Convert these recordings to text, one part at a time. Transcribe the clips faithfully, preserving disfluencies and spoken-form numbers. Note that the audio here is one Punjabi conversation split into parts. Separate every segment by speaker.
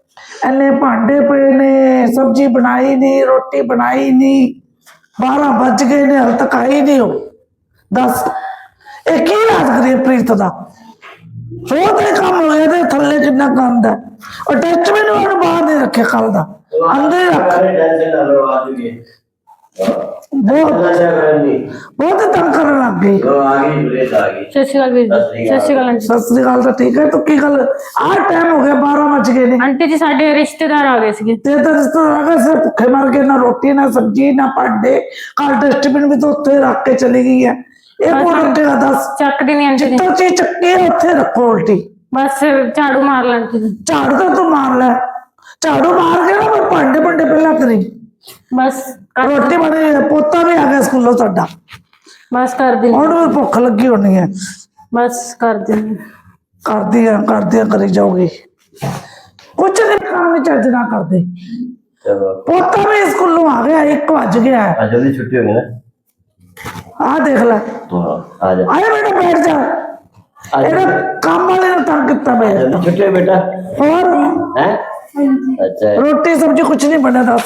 Speaker 1: इन्ने भांडे पे ने, सब्जी बनाई नहीं, रोटी बनाई नहीं, बारह बज गए ने, हल तक आई नहीं हो। दस एक ही राज करिए प्रीत का बहुत ही कम हो गया थले कितना गंद है और डस्टबिन वाले बाहर नहीं रखे कल का अंदर ही रख बहुत बहुत तंग करने लग गई।
Speaker 2: सत श्री अकाल वीर जी। सत श्री अकाल आंटी।
Speaker 1: सत श्री अकाल तो ठीक है तो की गल आज टाइम हो गया बारह बज गए ने
Speaker 2: आंटी जी साडे रिश्तेदार आ गए सी
Speaker 1: ते तो रिश्तेदार आ गए सिर्फ भुखे मर गए ना रोटी ना सब्जी ना भांडे कल डस्टबिन भी तो उत्थे रख के चली गई है एक और रखेगा दस
Speaker 2: ਚੱਕ ਦੀ ਨਹੀਂ ਆਂਟੀ जी
Speaker 1: जितना चीज चक्की है उत्थे रखो उल्टी
Speaker 2: बस झाड़ू मार ला आंटी जी
Speaker 1: झाड़ू तो तू मार ले झाड़ू मार के ना मैं भांडे भांडे पहला करी
Speaker 2: बस
Speaker 1: रोटी बनी पोता भी आ गया स्कूलों साडा
Speaker 2: बस कर दी
Speaker 1: और भी भुख लगी होनी है
Speaker 2: बस कर दी
Speaker 1: कर दिया कर दिया करी जाओगी कुछ नहीं काम नहीं चज ना कर दे पोता भी स्कूलों आ गया एक बज गया है
Speaker 3: आज जल्दी छुट्टी होगी ना
Speaker 1: आ देख ले
Speaker 3: आ जा
Speaker 1: आए बेटा बैठ जा एड़ा काम वाले ने तंग कितना मैं
Speaker 3: जल्दी छुट्टी हो बेटा
Speaker 1: और
Speaker 3: हैं अच्छा
Speaker 1: रोटी सब्जी कुछ नहीं बने दस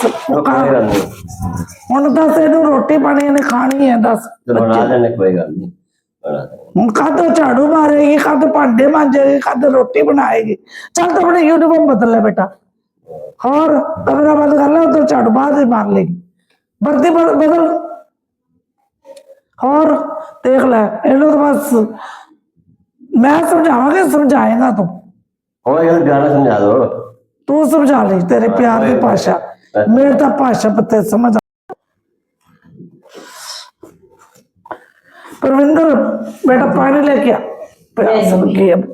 Speaker 1: ਹੁਣ दस ਇਹਨੂੰ रोटी पानी ने खानी है दस
Speaker 3: बना देने कोई गल नहीं बना देने
Speaker 1: ਹੁਣ कद झाड़ू मारेगी कद भांडे मांजेगी कद रोटी बनाएगी चल तो अपने यूनिफॉर्म बदल ले बेटा और कमरा बंद कर ले उधर झाड़ू बाद में मार लेगी वर्दी बदल और देख ले इन्हों तो बस मैं समझावांगा समझाएगा तू
Speaker 3: हो गया गाना समझा दो
Speaker 1: तू समझा ले तेरे प्यार की भाषा मेरे तो भाषा पता समझ परविंदर बेटा पानी लेके आ प्यास लगी है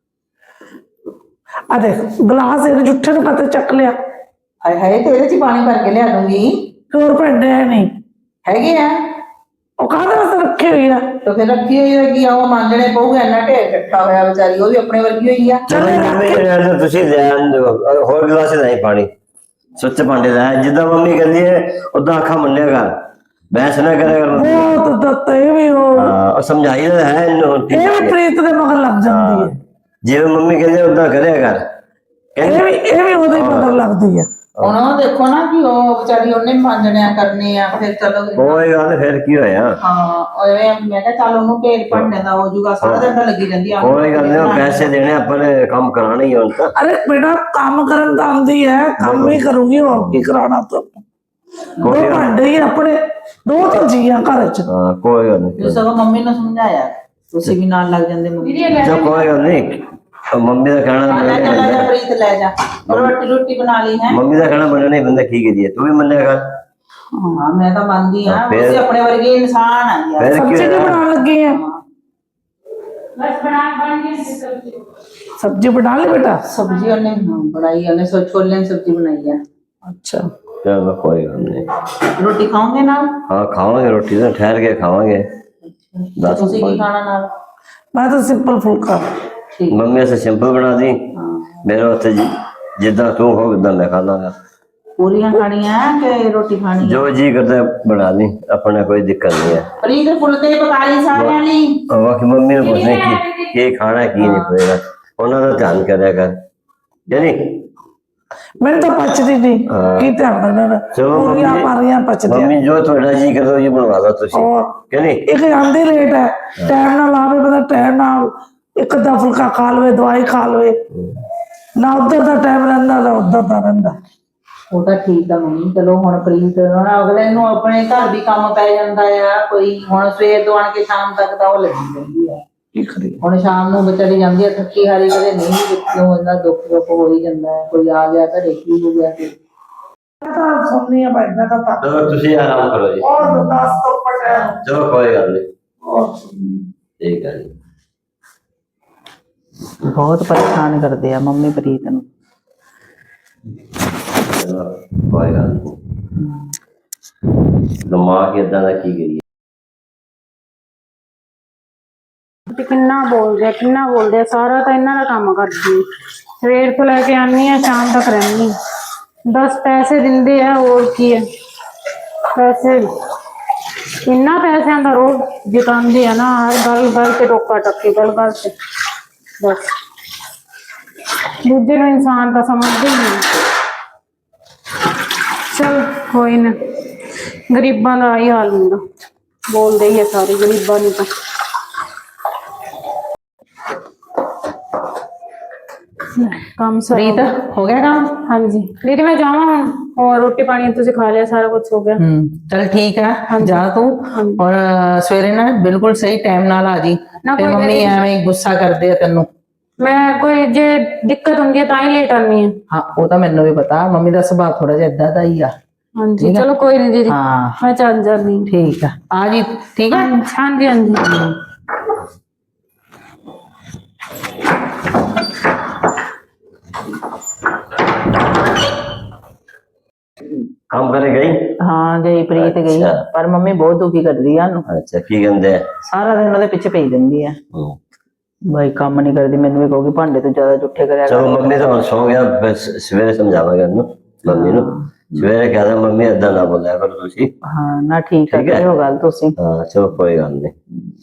Speaker 1: आ देख गिलास एक जुठे ने पता चक लिया
Speaker 4: हाय हाय तेरे च पानी भर के लिया दूंगी
Speaker 1: और भांडे है नहीं
Speaker 4: हैगे आ
Speaker 1: ਉਹ ਕਾਹਦੇ ਵਾਸਤੇ ਰੱਖੀ ਹੋਈ ਆ
Speaker 4: तो फिर रखी हुई होगी वो मांगने पऊगा इन्ना ढेर इकट्ठा होया बेचारी वो भी अपने वर्गी हुई आ
Speaker 1: चले
Speaker 3: मम्मी ਤੁਸੀਂ ਲੈਣ ਦਿਓ ਹੋਰ ਗਲਾਸ ਨਹੀਂ ਪਾਣੀ ਸੁੱਚ ਭਾਂਡੇ ਲੈ ਜਿੱਦਾਂ ਮੰਮੀ ਕਹਿੰਦੀ ਹੈ ਉਦਾਂ ਅੱਖਾਂ ਮੰਨਿਆ ਕਰ ਬਹਿਸ ਨਾ ਕਰਿਆ ਕਰ
Speaker 1: ਬਹੁਤ ਦਿੱਤੇ ਵੀ ਉਹ
Speaker 3: ਹਾਂ ਉਹ ਸਮਝਾਈ ਤਾਂ ਹੈ ਇਹਨੂੰ
Speaker 1: ਇਹ ਵੀ ਪ੍ਰੀਤ ਦੇ ਮਗਰ ਲੱਗ ਜਾਂਦੀ ਹੈ
Speaker 3: ਜਿਵੇਂ ਮੰਮੀ ਕਹਿੰਦੀ ਉਦਾਂ ਕਰਿਆ ਕਰ
Speaker 1: ਇਹ ਵੀ ਇਹ ਵੀ ਉਹਦੇ ਮਗਰ ਲੱਗਦੀ ਹੈ
Speaker 4: ਹੁਣ ਉਹ ਦੇਖੋ ਨਾ ਕਿ ਉਹ ਵਿਚਾਰੀ ਉਹਨੇ ਮਾਂਜਣਿਆ ਕਰਨੇ ਆ ਫਿਰ ਚਲੋ
Speaker 3: ਕੋਈ ਗੱਲ ਫਿਰ ਕੀ ਹੋਇਆ
Speaker 4: ਹਾਂ ਐਵੇਂ ਮੈਂ ਕਿਹਾ ਚੱਲ ਉਹਨੂੰ ਢੇਰ ਭੰਨੇ ਦਾ ਹੋ ਜੂਗਾ ਸਾਰਾ ਦਿਨ ਤਾਂ ਲੱਗੀ ਰਹਿੰਦੀ ਆ
Speaker 3: ਕੋਈ ਗੱਲ ਨਹੀਂ ਪੈਸੇ ਦੇਣੇ ਆਪਾਂ ਨੇ ਕੰਮ ਕਰਾਣਾ ਹੀ ਹੁਣ ਤਾਂ
Speaker 1: अरे बेटा काम करन तो आंदी है काम भी करूंगी और की कराना तो दो भांडे ही अपने दो तो जिया घर च
Speaker 3: ਹਾਂ ਕੋਈ ਗੱਲ ਨਹੀਂ
Speaker 4: ਤੁਸੀਂ ਸਗੋਂ ਮੰਮੀ ਨੂੰ ਸਮਝਾਇਆ ਤੁਸੀਂ ਵੀ ਨਾਲ ਲੱਗ ਜਾਂਦੇ ਮੰਮੀ
Speaker 3: ਜੋ ਕੋਈ ਗੱਲ ਨਹੀਂ ਮੰਮੀ ਦਾ ਕਹਿਣਾ
Speaker 4: ਲੈ ਜਾ ਲੈ ਜਾ ਪ੍ਰੀਤ ਲੈ ਜਾ ਰੋਟੀ ਰੋਟੀ ਬਣਾ ਲਈ ਹੈ
Speaker 3: ਮੰਮੀ ਦਾ ਕਹਿਣਾ ਮੰਨਣਾ ਨਹੀਂ ਬੰਦਾ ਕੀ ਕਰੀਏ ਤੂੰ ਵੀ ਮੰਨਿਆ ਕਰ
Speaker 4: ਹਾਂ ਮੈਂ ਤਾਂ ਮੰਨਦੀ ਆ ਤੁਸੀਂ ਆਪਣੇ ਵਰਗੇ ਇਨਸਾਨ ਆ ਯਾਰ
Speaker 3: ਫਿਰ ਕੀ
Speaker 1: सब्जी नहीं
Speaker 3: ਹੋਇਆ?
Speaker 1: बनाने लगी है
Speaker 2: बस बना बन गई सब्जी
Speaker 1: सब्जी बना ली बेटा
Speaker 4: सब्जी ਉਹਨੇ ਬਣਾਈ ਉਹਨੇ ਸੋ ਛੋਲੇ ਦੀ ਸਬਜ਼ੀ ਬਣਾਈ ਆ
Speaker 1: अच्छा
Speaker 3: ਚਲੋ ਕੋਈ ਗੱਲ ਨਹੀਂ
Speaker 4: ਰੋਟੀ ਖਾਓਗੇ ਨਾਲ
Speaker 3: ਹਾਂ ਖਾਵਾਂਗੇ ਰੋਟੀ ਤਾਂ ਠਹਿਰ ਕੇ ਖਾਵਾਂਗੇ ਦੱਸ
Speaker 4: ਤੁਸੀਂ ਕੀ ਖਾਣਾ ਨਾਲ
Speaker 1: मैं तो सिंपल फुल्का
Speaker 4: ਠੀਕ
Speaker 3: ਮੰਮੀ ਐਸੇ ਸਿੰਪਲ ਬਣਾ ਦੀ
Speaker 4: ਹਾਂ
Speaker 3: ਮੇਰੇ ਉੱਤੇ ਜਿ- ਜਿੱਦਾਂ ਤੂੰ ਹੋ ਉਦਾਂ ਮੈਂ ਖਾ ਲਾਂਗਾ
Speaker 4: ਪੂਰੀਆਂ ਖਾਣੀਆਂ ਕਿ ਰੋਟੀ ਖਾਣੀ
Speaker 3: ਜੋ ਜੀ ਕਰਦਾ ਬਣਾ ਦੀ ਆਪਣਾ ਕੋਈ ਦਿੱਕਤ ਨਹੀਂ ਹੈ
Speaker 4: ਪ੍ਰੀਤ ਫੁਲਕੇ ਪਕਾ ਲਈ ਸਾਰਿਆਂ ਲਈ
Speaker 3: ਬਾਕੀ ਮੰਮੀ ਨੂੰ ਪੁੱਛਣਾ ਕੀ ਕੀ ਖਾਣਾ ਕੀ ਨਹੀਂ ਪਏਗਾ ਉਹਨਾਂ ਦਾ ਧਿਆਨ ਕਰਿਆ ਕਰ ਜਾਨੀ
Speaker 1: मैंने तो पचती नहीं की ध्यान रखना
Speaker 3: चलो
Speaker 1: पूरियां
Speaker 3: मम्मी-
Speaker 1: मारियां पचती
Speaker 3: ਮੰਮੀ ਜੋ ਤੁਹਾਡਾ ਜੀ ਕਰਦਾ ਉਹ ਬਣਵਾ ਦੋ ਤੁਸੀਂ
Speaker 1: और
Speaker 3: ਕਿ ਨਹੀਂ
Speaker 1: एक आंधी लेट है टाइम ना लावे पता टाइम ना एक अद्धा फुल्का खा लवे दवाई खा लवे ना उधर का टाइम रहिंदा ना उधर का रहिंदा
Speaker 4: ਉਹ ਤਾਂ ਠੀਕ ਆ ਮੰਮੀ ਚਲੋ ਹੁਣ ਪ੍ਰੀਤ ਹੁਣ ਅਗਲੇ ਨੂੰ ਆਪਣੇ ਘਰ ਵੀ ਕੰਮ ਪੈ ਜਾਂਦਾ ਆ ਕੋਈ ਹੁਣ ਸਵੇਰ ਤੋਂ ਆਣ ਕੇ ਸ਼ਾਮ ਤੱਕ ਤਾਂ ਉਹ ਲੱਗੀ ਰਹਿੰਦੀ ਆ
Speaker 1: की करिए
Speaker 4: ਹੁਣ ਸ਼ਾਮ ਨੂੰ ਵਿਚਾਰੀ ਜਾਂਦੀ ਆ ਥੱਕੀ ਹਾਰੀ ਕਦੇ ਨਹੀਂ ਵੀ ਕਿਉਂ ਇੰਨਾ ਦੁੱਖ ਦੁੱਖ ਹੋ ਹੀ ਜਾਂਦਾ ਹੈ ਕੋਈ ਆ ਗਿਆ ਘਰੇ ਕੀ ਹੋ ਗਿਆ ਕਿ
Speaker 1: मैं तो सुननी है भाई मैं तो तक
Speaker 3: ਚਲੋ ਤੁਸੀਂ ਆਰਾਮ ਕਰੋ ਜੀ
Speaker 1: और दस तो पटे
Speaker 3: ਚਲੋ ਕੋਈ ਗੱਲ ਨਹੀਂ
Speaker 1: और सुननी
Speaker 3: ਠੀਕ ਹੈ ਜੀ
Speaker 4: ਬਹੁਤ ਪਰੇਸ਼ਾਨ ਕਰਦੇ ਆ ਮੰਮੀ ਪ੍ਰੀਤ ਨੂੰ
Speaker 3: ਚਲੋ ਕੋਈ ਗੱਲ ਨਹੀਂ ਦਿਮਾਗ ਏਦਾਂ ਦਾ ਕੀ ਕਰੀਏ
Speaker 2: ਤੇ ਕਿੰਨਾ ਬੋਲਦੇ ਆ ਕਿੰਨਾ ਬੋਲਦੇ ਆ ਸਾਰਾ ਤਾਂ ਇਹਨਾਂ ਦਾ ਕੰਮ ਕਰਦੀ ਆ। ਸਵੇਰ ਤੋਂ ਲੈ ਕੇ ਆਨੀ ਆ ਸ਼ਾਮ ਤੱਕ ਰਹਿੰਦੀ ਆ। ਦਸ ਪੈਸੇ ਦਿੰਦੇ ਆ ਹੋਰ ਕੀ ਹੈ ਪੈਸੇ ਇੰਨਾ ਪੈਸਿਆਂ ਦਾ ਰੋਜ਼ ਜਿਤਾਉਂਦੇ ਆ ਨਾ ਹਰ ਗੱਲ ਗੱਲ ਤੇ ਟੋਕਾ ਟੱਕੀ ਗੱਲ ਗੱਲ ਤੇ ਬਸ ਦੂਜੇ ਨੂੰ ਇਨਸਾਨ ਤਾਂ ਸਮਝਦੇ ਹੀ ਨਹੀਂ। ਚਲ ਕੋਈ ਨਾ, ਗਰੀਬਾਂ ਦਾ ਆਹੀ ਹਾਲ ਹੁੰਦਾ, ਬੋਲਦੇ ਹੀ ਆ ਸਾਰੇ ਗਰੀਬਾਂ ਨੂੰ ਤਾਂ। ਕੰਮ
Speaker 4: ਪ੍ਰੀਤ
Speaker 2: ਸਾਰਾ
Speaker 4: ਹੋ ਗਿਆ ਕੰਮ?
Speaker 2: ਹਾਂਜੀ ਦੀਦੀ ਮੈਂ ਜਾਵਾਂ ਹੁਣ, ਹੋਰ ਰੋਟੀ ਪਾਣੀ ਤੁਸੀਂ ਖਾ ਲਿਆ, ਸਾਰਾ ਕੁਝ ਹੋ ਗਿਆ।
Speaker 4: ਹੂੰ ਚਲ ਠੀਕ ਹੈ, ਜਾ ਤੂੰ। ਔਰ ਸਵੇਰੇ ਨਾ ਬਿਲਕੁਲ ਸਹੀ ਟਾਈਮ ਨਾਲ ਆ ਜੀ।
Speaker 2: ਨਾ
Speaker 4: ਤੇ
Speaker 2: ਕੋਈ
Speaker 4: ਮੰਮੀ
Speaker 2: ਗੱਲ-
Speaker 4: ਐਵੇਂ ਗੁੱਸਾ ਕਰਦੇ ਆ ਤੈਨੂੰ।
Speaker 2: ਮੈਂ ਕੋਈ ਜੇ ਦਿੱਕਤ ਹੁੰਦੀ ਹੈ ਤਾਂ ਹੀ ਲੇਟ ਆਨੀ ਹੈ।
Speaker 4: ਹਾਂ ਉਹ ਤਾਂ ਮੈਨੂੰ ਵੀ ਪਤਾ, ਮੰਮੀ ਦਾ ਸੁਭਾਅ ਥੋੜਾ ਜਿਹਾ ਏਦਾਂ ਦਾ ਹੀ ਆ।
Speaker 2: ਹਾਂਜੀ ਚਲੋ ਕੋਈ ਨਹੀਂ ਦੀਦੀ,
Speaker 4: ਹਾਂ
Speaker 2: ਮੈਂ ਚੱਲ ਜਾਂਦੀ ਹਾਂ।
Speaker 4: ਠੀਕ ਆ, ਆ ਜੀ। ਠੀਕ ਹੈ।
Speaker 2: ਹਾਂਜੀ ਹਾਂਜੀ
Speaker 3: ਕੰਮ ਕਰੇ ਗਈ?
Speaker 4: ਹਾਂ ਗਈ, ਪ੍ਰੀਤ ਗਈ।
Speaker 3: ਅੱਛਾ।
Speaker 4: ਪਰ ਮੰਮੀ ਬਹੁਤ ਦੁਖੀ ਕਰਦੀ ਆ ਉਹਨੂੰ,
Speaker 3: ਅੱਛਾ ਕੀ ਕਹਿੰਦੇ ਆ?
Speaker 4: ਸਾਰਾ ਦਿਨ ਉਹਦੇ ਪਿੱਛੇ ਪਈ ਰਹਿੰਦੀ ਆ।
Speaker 3: ਹੂੰ।
Speaker 4: ਬਾਈ ਕੰਮ ਨਹੀਂ ਕਰਦੀ, ਮੈਨੂੰ ਵੀ ਕਹੂਗੀ ਭਾਂਡੇ ਤੋਂ ਜ਼ਿਆਦਾ ਜੁੱਠੇ ਕਰਿਆ ਕਰ।
Speaker 3: ਚਲੋ ਮੰਮੀ ਤਾਂ ਹੁਣ ਸੌ ਗਿਆ, ਫਿਰ ਸ- ਸਵੇਰੇ ਸਮਝਾਵਾਂਗਾ ਇਹਨੂੰ, ਮੰਮੀ ਨੂੰ ਸਵੇਰੇ ਕਹਿ ਦਾਂ ਮੰਮੀ ਏਦਾਂ ਨਾ ਬੋਲਿਆ ਕਰੋ ਤੁਸੀਂ।
Speaker 4: ਹਾਂ ਨਾ ਠੀਕ ਆ,
Speaker 3: ਠੀਕ ਹੈ।
Speaker 4: ਕਰਿਓ ਗੱਲ ਤੁਸੀਂ।
Speaker 3: ਹਾਂ ਚਲੋ ਕੋਈ ਗੱਲ ਨਹੀਂ।